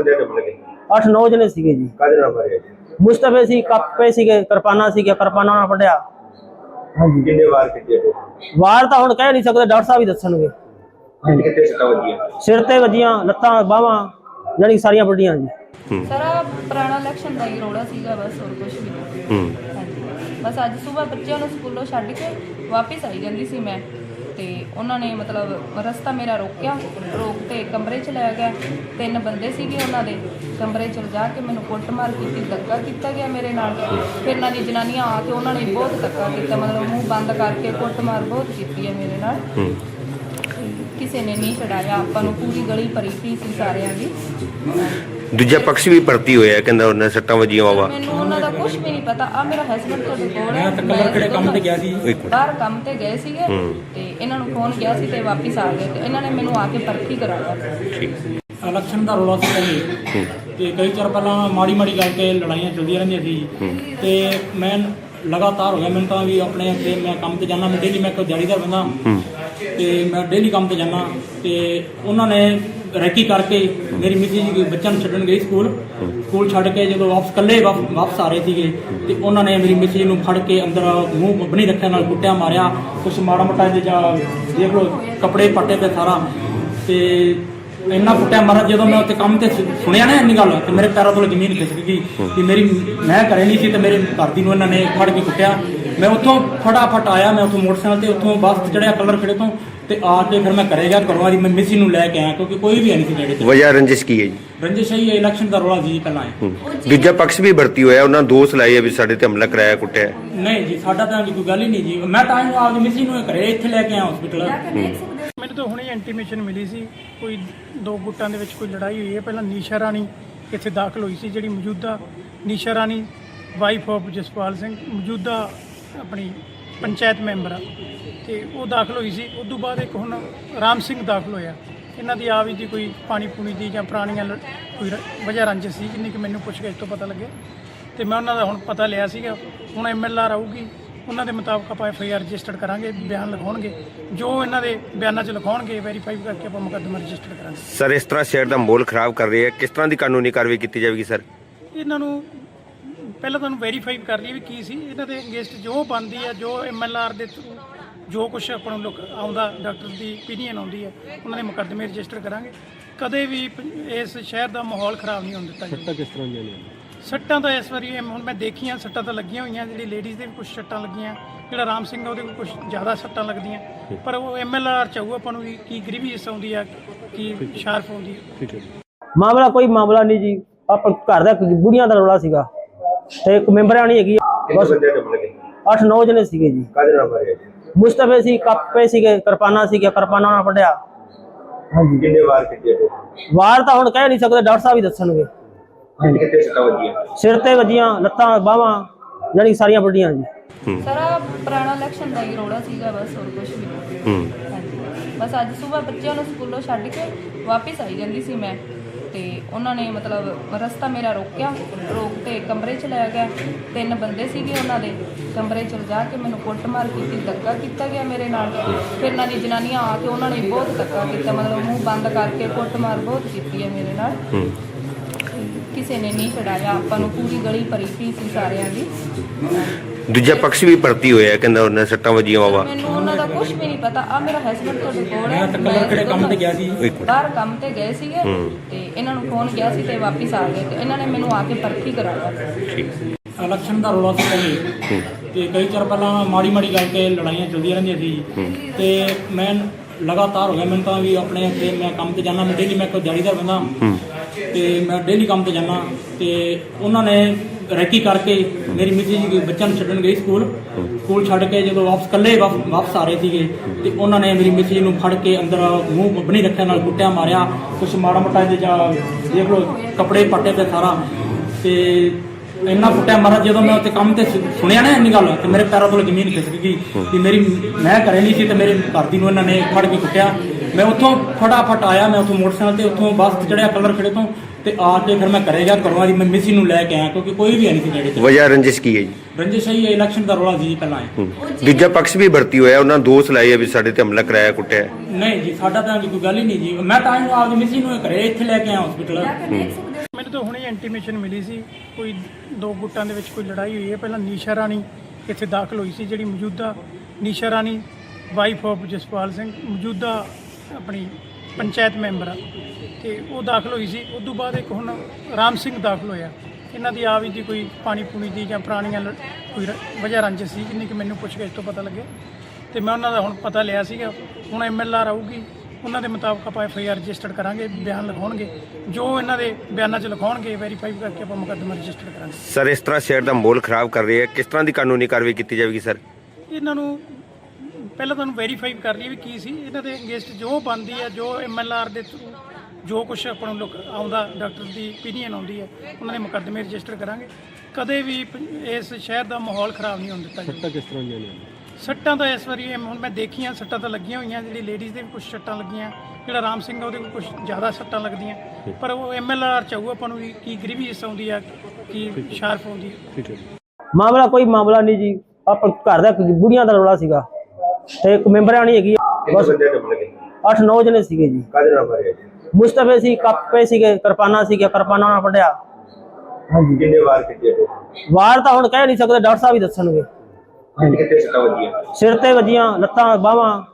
A: 8-9 ਜਣੇ ਸੀਗੇ ਜੀ।
B: ਕਾਹਦੇ ਨਾਲ ਮਾਰਿਆ ਜੀ?
A: ਮੁਸਤਫੇ ਸੀ, ਕਾਪੇ ਸੀਗੇ, ਕਿਰਪਾਨਾਂ ਸੀਗੇ, ਕਿਰਪਾਨਾਂ ਨਾਲ ਵੱਢਿਆ। ਹਾਂਜੀ,
B: ਕਿੰਨੇ ਵਾਰ ਕਿੱਥੇ?
A: ਵਾਰ ਤਾਂ ਹੁਣ ਕਹਿ ਨਹੀਂ ਸਕਦੇ, ਡਾਕਟਰ ਸਾਹਿਬ ਹੀ ਦੱਸਣਗੇ।
B: ਕਿੱਥੇ ਸੱਟਾਂ ਵੱਜੀਆਂ?
A: ਸਿਰ ਤੇ ਵੱਜੀਆਂ, ਲੱਤਾਂ ਬਾਹਾਂ ਜਾਣੀ ਸਾਰੀਆਂ ਵੱਡੀਆਂ ਜੀ।
C: ਸਾਰਾ ਪੁਰਾਣਾ ਇਲੈਕਸ਼ਨ ਦਾ ਹੀ ਰੌਲਾ ਸੀਗਾ, ਬਸ ਹੋਰ ਕੁਝ ਨਹੀਂ। ਹਾਂਜੀ, ਬਸ ਅੱਜ ਸਵੇਰ ਬੱਚਿਆਂ ਨੂੰ ਸਕੂਲੋਂ ਛੱਡ ਕੇ ਵਾਪਸ ਆਈ ਜਾਂਦੀ ਸੀ ਮੈਂ, ਤੇ ਉਹਨਾਂ ਨੇ ਮਤਲਬ ਰਸਤਾ ਮੇਰਾ ਰੋਕ ਤੇ ਕਮਰੇ 'ਚ ਲੈ ਗਿਆ। 3 ਬੰਦੇ ਸੀਗੇ, ਉਹਨਾਂ ਦੇ ਕਮਰੇ 'ਚ ਲਿਜਾ ਕੇ ਮੈਨੂੰ ਕੁੱਟਮਾਰ ਕੀਤੀ, ਧੱਕਾ ਕੀਤਾ ਗਿਆ ਮੇਰੇ ਨਾਲ। ਫਿਰ ਇਹਨਾਂ ਦੀ ਜਨਾਨੀਆਂ ਆ ਕੇ ਉਹਨਾਂ ਨੇ ਬਹੁਤ ਧੱਕਾ ਕੀਤਾ, ਮਤਲਬ ਮੂੰਹ ਬੰਦ ਕਰਕੇ ਕੁੱਟਮਾਰ ਬਹੁਤ ਕੀਤੀ ਹੈ ਮੇਰੇ ਨਾਲ। ਕਿਸੇ ਨੇ ਨਹੀਂ ਛਡਾਇਆ, ਆਪਾਂ ਨੂੰ ਪੂਰੀ ਗਲੀ ਭਰੀ ਪਈ ਸੀ ਸਾਰਿਆਂ ਦੀ।
D: ਦੂਜਾ ਪਕਸ਼ ਵੀ ਭਰਤੀ ਹੋਇਆ, ਕਹਿੰਦਾ ਉਹਨਾਂ ਸੱਟਾਂ ਵੱਜੀਆਂ ਵਾਵਾ।
C: ਮੈਨੂੰ ਉਹਨਾਂ ਦਾ ਕੁਝ ਵੀ ਨਹੀਂ ਪਤਾ। ਆ ਮੇਰਾ ਹਸਬੰਡ ਤੁਹਾਡੇ ਕੋਲ ਹੈ,
E: ਮੈਂ ਤਾਂ ਕਲਰ ਕਿਹੜੇ ਕੰਮ ਤੇ ਗਿਆ ਸੀ?
C: ਬਾਹਰ ਕੰਮ ਤੇ ਗਏ ਸੀਗੇ ਤੇ ਇਹਨਾਂ ਨੂੰ ਫੋਨ ਗਿਆ ਸੀ ਤੇ ਵਾਪਸ ਆ ਗਏ, ਤੇ ਇਹਨਾਂ ਨੇ ਮੈਨੂੰ ਆ ਕੇ ਭਰਤੀ ਕਰਾਇਆ।
E: ਇਲੈਕਸ਼ਨ ਦਾ ਰੌਲਾ ਸੀ ਪਹਿਲੇ, ਤੇ ਕਈ ਚਿਰ ਪਹਿਲਾਂ ਮਾੜੀ ਗੱਲ ਤੇ ਲੜਾਈਆਂ ਚੱਲਦੀਆਂ ਰਹਿੰਦੀਆਂ ਸੀ। ਤੇ ਮੈਂ ਲਗਾਤਾਰ ਹੋ ਗਿਆ ਮੈਨੂੰ ਤਾਂ ਵੀ ਆਪਣੇ ਇੱਥੇ ਮੈਂ ਕੰਮ ਤੇ ਜਾਣਾ, ਮੈਂ ਡੇਲੀ ਮੈਂ ਕੋਈ ਦਿਹਾੜੀਦਾਰ ਬੰਦਾ ਤੇ ਮੈਂ ਡੇਲੀ ਕੰਮ ਤੇ ਜਾਣਾ। ਤੇ ਉਹਨਾਂ ਨੇ ਰੈਕੀ ਕਰਕੇ ਮੇਰੀ ਮਿਸੀ ਜੀ ਬੱਚਿਆਂ ਨੂੰ ਛੱਡਣ ਗਈ ਸਕੂਲ ਛੱਡ ਕੇ ਜਦੋਂ ਇਕੱਲੇ ਵਾਪਸ ਆ ਰਹੇ ਸੀਗੇ ਤੇ ਉਹਨਾਂ ਨੇ ਮੇਰੀ ਮਿਸੀ ਨੂੰ ਫੜ ਕੇ ਅੰਦਰ ਮੂੰਹ ਬੰਨੀ ਰੱਖਿਆ, ਨਾਲ ਕੁੱਟਿਆ ਮਾਰਿਆ, ਕੁਛ ਮਾੜਾ ਮੋਟਾ ਇਹਦੇ ਜਾਂ ਦੇਖ ਲਓ ਕੱਪੜੇ ਪੱਟੇ ਤੇ ਸਾਰਾ। ਤੇ ਇੰਨਾ ਕੁੱਟਿਆ ਮਾਰਿਆ, ਜਦੋਂ ਮੈਂ ਉੱਥੇ ਕੰਮ ਤੇ ਸੁਣਿਆ ਨਾ ਇੰਨੀ ਗੱਲ ਤੇ ਮੇਰੇ ਪੈਰਾਂ ਤੋਂ ਜ਼ਮੀਨ ਖਿਸਕ ਗਈ ਕਿ ਮੈਂ ਘਰੇ ਨਹੀਂ ਸੀ ਤੇ ਮੇਰੇ ਘਰ ਦੀ ਨੂੰ ਇਹਨਾਂ ਨੇ ਫੜ ਕੇ ਕੁੱਟਿਆ। ਮੈਂ ਉੱਥੋਂ ਫਟਾਫਟ ਆਇਆ, ਮੈਂ ਉੱਥੋਂ ਮੋਟਰਸਾਈਕਲ ਤੇ ਉੱਥੋਂ ਬੱਸ ਤੇ ਚੜਿਆ ਕਲਰ ਖੇੜੇ ਤੋਂ ਤੇ ਆ ਕੇ ਫਿਰ ਮੈਂ ਘਰੇ ਗਿਆ। ਘਰੋਂ ਦੀ ਮੈਂ ਮਿਸੀ ਨੂੰ ਲੈ ਕੇ ਆਇਆ ਕਿਉਂਕਿ ਕੋਈ ਵੀ ਨਹੀਂ ਸੀ ਨੇੜੇ ਤੇ।
D: ਵਜ੍ਹਾ ਰੰਜਿਸ਼ ਕੀ ਹੈ ਜੀ?
E: ਰੰਜਿਸ਼ ਹੀ ਇਲੈਕਸ਼ਨ ਦਾ ਰੌਲਾ ਜੀ ਪਹਿਲਾਂ ਹੈ।
D: ਦੂਜਾ ਪਕਸ਼ ਵੀ ਭਰਤੀ ਹੋਇਆ, ਉਹਨਾਂ ਦੋਸ਼ ਲਾਏ ਆ ਵੀ ਸਾਡੇ ਤੇ ਹਮਲਾ ਕਰਾਇਆ, ਕੁੱਟਿਆ।
E: ਨਹੀਂ ਜੀ, ਸਾਡਾ ਤਾਂ ਕੋਈ ਗੱਲ ਹੀ ਨਹੀਂ ਜੀ। ਮੈਂ ਤਾਂ ਆਪਦੀ ਮਿਸੀ ਨੂੰ ਘਰੇ ਇੱਥੇ ਲੈ ਕੇ ਆਇਆ ਹਸਪੀਟਲ।
F: ਮੈਨੂੰ ਤਾਂ ਹੁਣੇ ਇੰਟੀਮੇਸ਼ਨ ਮਿਲੀ ਸੀ ਕੋਈ ਦੋ ਗੁੱਟਾਂ ਦੇ ਵਿੱਚ ਕੋਈ ਲੜਾਈ ਹੋਈ ਹੈ। ਪਹਿਲਾਂ ਨੀਸ਼ਾ ਰਾਣੀ ਇੱਥੇ ਦਾਖਲ ਹੋਈ ਸੀ, ਜਿਹੜੀ ਮੌਜੂਦਾ ਨੀਸ਼ਾ ਰਾਣੀ ਵਾਈਫ ਆਫ ਜਸਪਾਲ ਸਿੰਘ, ਮੌਜੂਦਾ ਆਪਣੀ ਪੰਚਾਇਤ ਮੈਂਬਰ ਆ, ਤੇ ਉਹ ਦਾਖਲ ਹੋਈ ਸੀ। ਉਸ ਤੋਂ ਬਾਅਦ ਇੱਕ ਹੁਣ ਰਾਮ ਸਿੰਘ ਦਾਖਲ ਹੋਇਆ। ਇਹਨਾਂ ਦੀ ਆਪ ਜੀ ਕੋਈ ਪਾਣੀ ਪੂਣੀ ਦੀ ਜਾਂ ਪੁਰਾਣੀਆਂ ਕੋਈ ਵਜ੍ਹਾ ਰੰਜਿਸ਼ ਸੀ, ਜਿੰਨੀ ਕਿ ਮੈਨੂੰ ਪੁੱਛਗਿੱਛ ਤੋਂ ਪਤਾ ਲੱਗਿਆ। ਤੇ ਮੈਂ ਉਹਨਾਂ ਦਾ ਹੁਣ ਪਤਾ ਲਿਆ ਸੀਗਾ। ਹੁਣ MLR ਆਊਗੀ, ਉਹਨਾਂ ਦੇ ਮੁਤਾਬਕ ਆਪਾਂ FIR ਰਜਿਸਟਰ ਕਰਾਂਗੇ, ਬਿਆਨ ਲਿਖਾਉਣਗੇ, ਜੋ ਇਹਨਾਂ ਦੇ ਬਿਆਨਾਂ 'ਚ ਲਿਖਾਉਣਗੇ ਵੈਰੀਫਾਈ ਕਰਕੇ ਆਪਾਂ ਮੁਕੱਦਮਾ ਰਜਿਸਟਰ ਕਰਾਂਗੇ।
D: ਸਰ, ਇਸ ਤਰ੍ਹਾਂ ਸ਼ਹਿਰ ਦਾ ਮਾਹੌਲ ਖਰਾਬ ਕਰ ਰਹੇ ਹੈ, ਕਿਸ ਤਰ੍ਹਾਂ ਦੀ ਕਾਨੂੰਨੀ ਕਾਰਵਾਈ ਕੀਤੀ ਜਾਵੇਗੀ ਸਰ?
F: ਇਹਨਾਂ ਨੂੰ ਪਹਿਲਾਂ ਤੁਹਾਨੂੰ ਵੈਰੀਫਾਈ ਕਰ ਲਈਏ ਵੀ ਕੀ ਸੀ ਇਹਨਾਂ ਦੇ ਅਗੇਂਸਟ ਜੋ ਬਣਦੀ ਹੈ, ਜੋ MLR ਦੇ ਥਰੂ ਜੋ ਕੁਛ ਆਪਾਂ ਨੂੰ ਆਉਂਦਾ, ਡਾਕਟਰ ਦੀ ਓਪੀਨੀਅਨ ਆਉਂਦੀ ਹੈ, ਉਹਨਾਂ ਦੇ ਮੁਕੱਦਮੇ ਰਜਿਸਟਰ ਕਰਾਂਗੇ। ਕਦੇ ਵੀ ਇਸ ਸ਼ਹਿਰ ਦਾ ਮਾਹੌਲ ਖਰਾਬ ਨਹੀਂ ਹੋਣ ਦਿੱਤਾ ਜੀ।
B: ਸੱਟਾਂ ਕਿਸ ਤਰ੍ਹਾਂ ਦੀਆਂ ਨੇ?
F: ਸੱਟਾਂ ਤਾਂ ਇਸ ਵਾਰੀ ਹੁਣ ਮੈਂ ਦੇਖੀਆਂ, ਸੱਟਾਂ ਤਾਂ ਲੱਗੀਆਂ ਹੋਈਆਂ, ਜਿਹੜੀ ਲੇਡੀਜ਼ ਦੇ ਵੀ ਕੁਝ ਸੱਟਾਂ ਲੱਗੀਆਂ, ਜਿਹੜਾ ਰਾਮ ਸਿੰਘ ਆ ਉਹਦੇ ਵੀ ਕੁਝ ਜ਼ਿਆਦਾ ਸੱਟਾਂ ਲੱਗਦੀਆਂ, ਪਰ ਉਹ MLR ਚਾਹੂ ਆਪਾਂ ਨੂੰ ਵੀ ਕੀ ਗ੍ਰੀਵੀਅਸ ਆਉਂਦੀ ਆ, ਕੀ ਸ਼ਾਰਪ ਆਉਂਦੀ ਹੈ।
B: ਠੀਕ ਹੈ।
A: ਮਾਮਲਾ ਕੋਈ ਮਾਮਲਾ ਨਹੀਂ ਜੀ, ਆਪਾਂ ਘਰ ਦਾ ਬੁੜੀਆਂ ਦਾ ਰੌਲਾ ਸੀਗਾ ਤੇ ਇੱਕ ਮੈਂਬਰਾਂ ਨਹੀਂ ਹੈਗੀ,
B: ਕਿੰਨੇ ਬੰਦੇ ਡਬਲ ਗਏ?
A: 8-9 ਜਣੇ ਸੀਗੇ ਜੀ।
B: ਕਾਹਦੇ ਨਾਲ ਮਾਰਿਆ ਜੀ?
A: ਮੁਸਤਫੇ ਸੀ, ਕੱਪੇ ਸੀਗੇ, ਕਿਰਪਾਨਾਂ ਸੀਗੇ, ਕਿਰਪਾਨਾਂ ਨਾਲ ਪੜਿਆ। ਹਾਂਜੀ,
B: ਕਿੰਨੇ ਵਾਰ ਕੀਤੇ?
A: ਵਾਰ ਤਾਂ ਹੁਣ ਕਹਿ ਨਹੀਂ ਸਕਦੇ, ਡਾਕਟਰ ਸਾਹਿਬ ਹੀ ਦੱਸਣਗੇ।
B: ਕਿੱਥੇ ਸੱਟਾਂ ਵੱਜੀਆਂ?
A: ਸਿਰ ਤੇ ਵੱਜੀਆਂ, ਲੱਤਾਂ ਬਾਹਾਂ ਜਾਨੀ ਸਾਰੀਆਂ ਵੱਡੀਆਂ ਜੀ।
C: ਸਾਰਾ ਪੁਰਾਣਾ ਇਲੈਕਸ਼ਨ ਦਾ ਹੀ ਰੌਲਾ ਸੀਗਾ, ਬਸ ਹੋਰ ਕੁਝ ਨਹੀਂ। ਹਾਂਜੀ, ਬਸ ਅੱਜ ਸਵੇਰ ਬੱਚਿਆਂ ਨੂੰ ਸਕੂਲੋਂ ਛੱਡ ਕੇ ਵਾਪਸ ਆਈ ਜਾਂਦੀ ਸੀ ਮੈਂ, ਤੇ ਉਹਨਾਂ ਨੇ ਮਤਲਬ ਰਸਤਾ ਮੇਰਾ ਰੋਕ ਤੇ ਕਮਰੇ 'ਚ ਲੈ ਗਿਆ। 3 ਬੰਦੇ ਸੀਗੇ, ਉਹਨਾਂ ਦੇ ਕਮਰੇ 'ਚ ਲਿਜਾ ਕੇ ਮੈਨੂੰ ਕੁੱਟਮਾਰ ਕੀਤੀ, ਧੱਕਾ ਕੀਤਾ ਗਿਆ ਮੇਰੇ ਨਾਲ। ਫਿਰ ਇਹਨਾਂ ਦੀ ਜਨਾਨੀਆਂ ਆ ਕੇ ਉਹਨਾਂ ਨੇ ਬਹੁਤ ਧੱਕਾ ਕੀਤਾ, ਮਤਲਬ ਮੂੰਹ ਬੰਦ ਕਰਕੇ ਕੁੱਟਮਾਰ ਬਹੁਤ ਕੀਤੀ ਹੈ ਮੇਰੇ ਨਾਲ। ਕਿਸੇ ਨੇ ਨਹੀਂ ਛਡਾਇਆ, ਆਪਾਂ ਨੂੰ ਪੂਰੀ ਗਲੀ ਭਰੀ ਪਈ ਸੀ ਸਾਰਿਆਂ ਦੀ।
D: ਦੂਜਾ ਪਕਸ਼ ਵੀ ਭਰਤੀ ਹੋਇਆ, ਕਹਿੰਦਾ ਉਹਨਾਂ ਸੱਟਾਂ ਵੱਜੀਆਂ ਵਾਵਾ।
C: ਮੈਨੂੰ ਉਹਨਾਂ ਦਾ ਕੁਝ ਵੀ ਨਹੀਂ ਪਤਾ। ਆ ਮੇਰਾ ਹਸਬੰਡ ਤੁਹਾਡੇ ਕੋਲ ਹੈ,
E: ਮੈਂ ਤਾਂ ਕਲਰ ਕਿਹੜੇ ਕੰਮ ਤੇ ਗਿਆ ਸੀ,
C: ਬਾਹਰ ਕੰਮ ਤੇ ਗਏ ਸੀਗੇ ਤੇ ਇਹਨਾਂ ਨੂੰ ਫੋਨ ਗਿਆ ਸੀ ਤੇ ਵਾਪਸ ਆ ਗਏ ਤੇ ਇਹਨਾਂ ਨੇ ਮੈਨੂੰ ਆ ਕੇ ਭਰਤੀ ਕਰਾਇਆ।
E: ਇਲੈਕਸ਼ਨ ਦਾ ਰੌਲਾ ਸੀ ਪਹਿਲੇ ਤੇ ਕਈ ਚਿਰ ਪਹਿਲਾਂ ਮਾੜੀ ਗੱਲ ਤੇ ਲੜਾਈਆਂ ਚੱਲਦੀਆਂ ਰਹਿੰਦੀਆਂ ਸੀ। ਤੇ ਮੈਂ ਲਗਾਤਾਰ ਹੋ ਗਿਆ ਮੈਨੂੰ ਤਾਂ ਵੀ ਆਪਣੇ ਇੱਥੇ ਮੈਂ ਕੰਮ ਤੇ ਜਾਣਾ, ਮੈਂ ਡੇਲੀ ਮੈਂ ਕੋਈ ਦਿਹਾੜੀਦਾਰ ਬੰਦਾ ਤੇ ਮੈਂ ਡੇਲੀ ਕੰਮ ਤੇ ਜਾਣਾ। ਤੇ ਉਹਨਾਂ ਨੇ ਰੈਕੀ ਕਰਕੇ ਮੇਰੀ ਮਿਸੀ ਜੀ ਬੱਚਿਆਂ ਨੂੰ ਛੱਡਣ ਗਈ ਸਕੂਲ ਛੱਡ ਕੇ ਜਦੋਂ ਇਕੱਲੇ ਵਾਪਸ ਆ ਰਹੇ ਸੀਗੇ ਤੇ ਉਹਨਾਂ ਨੇ ਮੇਰੀ ਮਿਸੀ ਨੂੰ ਫੜ ਕੇ ਅੰਦਰ ਮੂੰਹ ਬੰਨੀ ਰੱਖਿਆ, ਨਾਲ ਕੁੱਟਿਆ ਮਾਰਿਆ, ਕੁਛ ਮਾੜਾ ਮੋਟਾ ਇਹਦੇ ਜਾਂ ਦੇਖ ਲਓ ਕੱਪੜੇ ਪੱਟੇ ਤੇ ਸਾਰਾ। ਤੇ ਇੰਨਾ ਕੁੱਟਿਆ ਮਾਰਿਆ, ਜਦੋਂ ਮੈਂ ਉੱਥੇ ਕੰਮ ਤੇ ਸੁਣਿਆ ਨਾ ਇੰਨੀ ਗੱਲ ਤੇ ਮੇਰੇ ਪੈਰਾਂ ਤੋਂ ਜ਼ਮੀਨ ਖਿਸਕ ਗਈ ਕਿ ਮੈਂ ਘਰੇ ਨਹੀਂ ਸੀ ਤੇ ਮੇਰੇ ਘਰ ਦੀ ਨੂੰ ਇਹਨਾਂ ਨੇ ਫੜ ਕੇ ਕੁੱਟਿਆ। ਮੈਂ ਉੱਥੋਂ ਫਟਾਫਟ ਆਇਆ, ਮੈਂ ਉੱਥੋਂ ਮੋਟਰਸਾਈਕਲ ਤੇ ਉੱਥੋਂ ਬੱਸ ਤੇ ਚੜਿਆ ਕਲਰ ਖੇੜੇ ਤੋਂ ਤੇ ਆ ਕੇ ਫਿਰ ਮੈਂ ਘਰੇ ਗਿਆ। ਘਰੋਂ ਦੀ ਮੈਂ ਮਿਸੀ ਨੂੰ ਲੈ ਕੇ ਆਇਆ ਕਿਉਂਕਿ ਕੋਈ ਵੀ ਨਹੀਂ ਸੀ ਨੇੜੇ ਤੇ।
D: ਵਜ੍ਹਾ ਰੰਜਿਸ਼ ਕੀ ਹੈ ਜੀ?
E: ਰੰਜਿਸ਼ ਹੀ ਇਲੈਕਸ਼ਨ ਦਾ ਰੌਲਾ ਜੀ ਪਹਿਲਾਂ ਹੈ।
D: ਦੂਜਾ ਪਕਸ਼ ਵੀ ਭਰਤੀ ਹੋਇਆ, ਉਹਨਾਂ ਦੋਸ਼ ਲਾਏ ਆ ਵੀ ਸਾਡੇ ਤੇ ਹਮਲਾ ਕਰਾਇਆ, ਕੁੱਟਿਆ।
E: ਨਹੀਂ ਜੀ, ਸਾਡਾ ਤਾਂ ਕੋਈ ਗੱਲ ਹੀ ਨਹੀਂ ਜੀ। ਮੈਂ ਤਾਂ ਆਪਦੀ ਮਿਸੀ ਨੂੰ ਘਰੇ ਇੱਥੇ ਲੈ ਕੇ ਆਇਆ ਹਸਪੀਟਲ।
F: ਮੈਨੂੰ ਤਾਂ ਹੁਣੇ ਇੰਟੀਮੇਸ਼ਨ ਮਿਲੀ ਸੀ ਕੋਈ ਦੋ ਗੁੱਟਾਂ ਦੇ ਵਿੱਚ ਕੋਈ ਲੜਾਈ ਹੋਈ ਹੈ। ਪਹਿਲਾਂ ਨੀਸ਼ਾ ਰਾਣੀ ਇੱਥੇ ਦਾਖਲ ਹੋਈ ਸੀ, ਜਿਹੜੀ ਮੌਜੂਦਾ ਨੀਸ਼ਾ ਰਾਣੀ ਵਾਈਫ ਆਫ ਜਸਪਾਲ ਸਿੰਘ, ਮੌਜੂਦਾ ਆਪਣੀ ਪੰਚਾਇਤ ਮੈਂਬਰ ਆ, ਤੇ ਉਹ ਦਾਖਲ ਹੋਈ ਸੀ। ਉਸ ਤੋਂ ਬਾਅਦ ਇੱਕ ਹੁਣ ਰਾਮ ਸਿੰਘ ਦਾਖਲ ਹੋਇਆ। ਇਹਨਾਂ ਦੀ ਆਪ ਜੀ ਕੋਈ ਪਾਣੀ ਪੂਣੀ ਦੀ ਜਾਂ ਪੁਰਾਣੀਆਂ ਕੋਈ ਵਜ੍ਹਾ ਰੰਜਿਸ਼ ਸੀ, ਜਿੰਨੀ ਕਿ ਮੈਨੂੰ ਪੁੱਛਗਿੱਛ ਤੋਂ ਪਤਾ ਲੱਗਿਆ। ਤੇ ਮੈਂ ਉਹਨਾਂ ਦਾ ਹੁਣ ਪਤਾ ਲਿਆ ਸੀਗਾ। ਹੁਣ MLR ਆਊਗੀ, ਉਹਨਾਂ ਦੇ ਮੁਤਾਬਕ ਆਪਾਂ FIR ਰਜਿਸਟਰ ਕਰਾਂਗੇ, ਬਿਆਨ ਲਿਖਾਉਣਗੇ, ਜੋ ਇਹਨਾਂ ਦੇ ਬਿਆਨਾਂ 'ਚ ਲਿਖਾਉਣਗੇ ਵੈਰੀਫਾਈ ਕਰਕੇ ਆਪਾਂ ਮੁਕੱਦਮਾ ਰਜਿਸਟਰ ਕਰਾਂਗੇ।
D: ਸਰ, ਇਸ ਤਰ੍ਹਾਂ ਸ਼ਹਿਰ ਦਾ ਮਾਹੌਲ ਖਰਾਬ ਕਰ ਰਹੇ ਹੈ, ਕਿਸ ਤਰ੍ਹਾਂ ਦੀ ਕਾਨੂੰਨੀ ਕਾਰਵਾਈ ਕੀਤੀ ਜਾਵੇਗੀ ਸਰ?
F: ਇਹਨਾਂ ਨੂੰ ਪਹਿਲਾਂ ਤੁਹਾਨੂੰ ਵੈਰੀਫਾਈ ਕਰ ਲਈਏ ਵੀ ਕੀ ਸੀ ਇਹਨਾਂ ਦੇ ਅਗੇਂਸਟ ਜੋ ਬਣਦੀ ਹੈ, ਜੋ MLR ਦੇ ਥਰੂ ਜੋ ਕੁਛ ਆਪਾਂ ਨੂੰ ਆਉਂਦਾ, ਡਾਕਟਰ ਦੀ ਓਪੀਨੀਅਨ ਆਉਂਦੀ ਹੈ, ਉਹਨਾਂ ਦੇ ਮੁਕੱਦਮੇ ਰਜਿਸਟਰ ਕਰਾਂਗੇ। ਕਦੇ ਵੀ ਇਸ ਸ਼ਹਿਰ ਦਾ ਮਾਹੌਲ ਖਰਾਬ ਨਹੀਂ ਹੋਣ ਦਿੱਤਾ ਜੀ।
B: ਸੱਟਾਂ ਕਿਸ ਤਰ੍ਹਾਂ ਦੀਆਂ ਨੇ?
F: ਸੱਟਾਂ ਤਾਂ ਇਸ ਵਾਰੀ ਹੁਣ ਮੈਂ ਦੇਖੀਆਂ, ਸੱਟਾਂ ਤਾਂ ਲੱਗੀਆਂ ਹੋਈਆਂ, ਜਿਹੜੀ ਲੇਡੀਜ਼ ਦੇ ਵੀ ਕੁਝ ਸੱਟਾਂ ਲੱਗੀਆਂ, ਜਿਹੜਾ ਰਾਮ ਸਿੰਘ ਆ ਉਹਦੇ ਵੀ ਕੁਝ ਜ਼ਿਆਦਾ ਸੱਟਾਂ ਲੱਗਦੀਆਂ, ਪਰ ਉਹ MLR ਚਾਹੂ ਆਪਾਂ ਨੂੰ ਵੀ ਕੀ ਗ੍ਰੀਵੀਅਸ ਆਉਂਦੀ ਆ, ਕੀ ਸ਼ਾਰਪ ਆਉਂਦੀ ਹੈ।
B: ਠੀਕ ਹੈ।
A: ਮਾਮਲਾ ਕੋਈ ਮਾਮਲਾ ਨਹੀਂ ਜੀ, ਆਪਾਂ ਘਰ ਦਾ ਬੁੜੀਆਂ ਦਾ ਰੌਲਾ ਸੀਗਾ ਤੇ ਇੱਕ ਮੈਂਬਰਾਂ ਨਹੀਂ ਹੈਗੀ
B: ਕਿੰਨੇ
A: ਬਸ
B: ਬੰਦੇ ਡਬਲ ਗਏ
A: 8-9 ਜਣੇ ਸੀਗੇ ਜੀ।
B: ਕਾਹਦੇ ਨਾਲ ਮਾਰਿਆ ਜੀ?
A: ਮੁਸਤਫੇ ਸੀ, ਕਾਪੇ ਸੀਗੇ, ਕਿਰਪਾਨਾਂ ਸੀਗੇ, ਕਿਰਪਾਨਾਂ ਨਾਲ ਵੱਢਿਆ। ਹਾਂਜੀ,
B: ਕਿੰਨੇ ਵਾਰ ਕਿੱਥੇ ਆ?
A: ਵਾਰ ਤਾਂ ਹੁਣ ਕਹਿ ਨਹੀਂ ਸਕਦੇ, ਡਾਕਟਰ ਸਾਹਿਬ ਹੀ ਦੱਸਣਗੇ।
B: ਕਿੱਥੇ ਸੱਟਾਂ ਵੱਜੀਆਂ?
A: ਸਿਰ ਤੇ ਵੱਜੀਆਂ, ਲੱਤਾਂ ਬਾਹਾਂ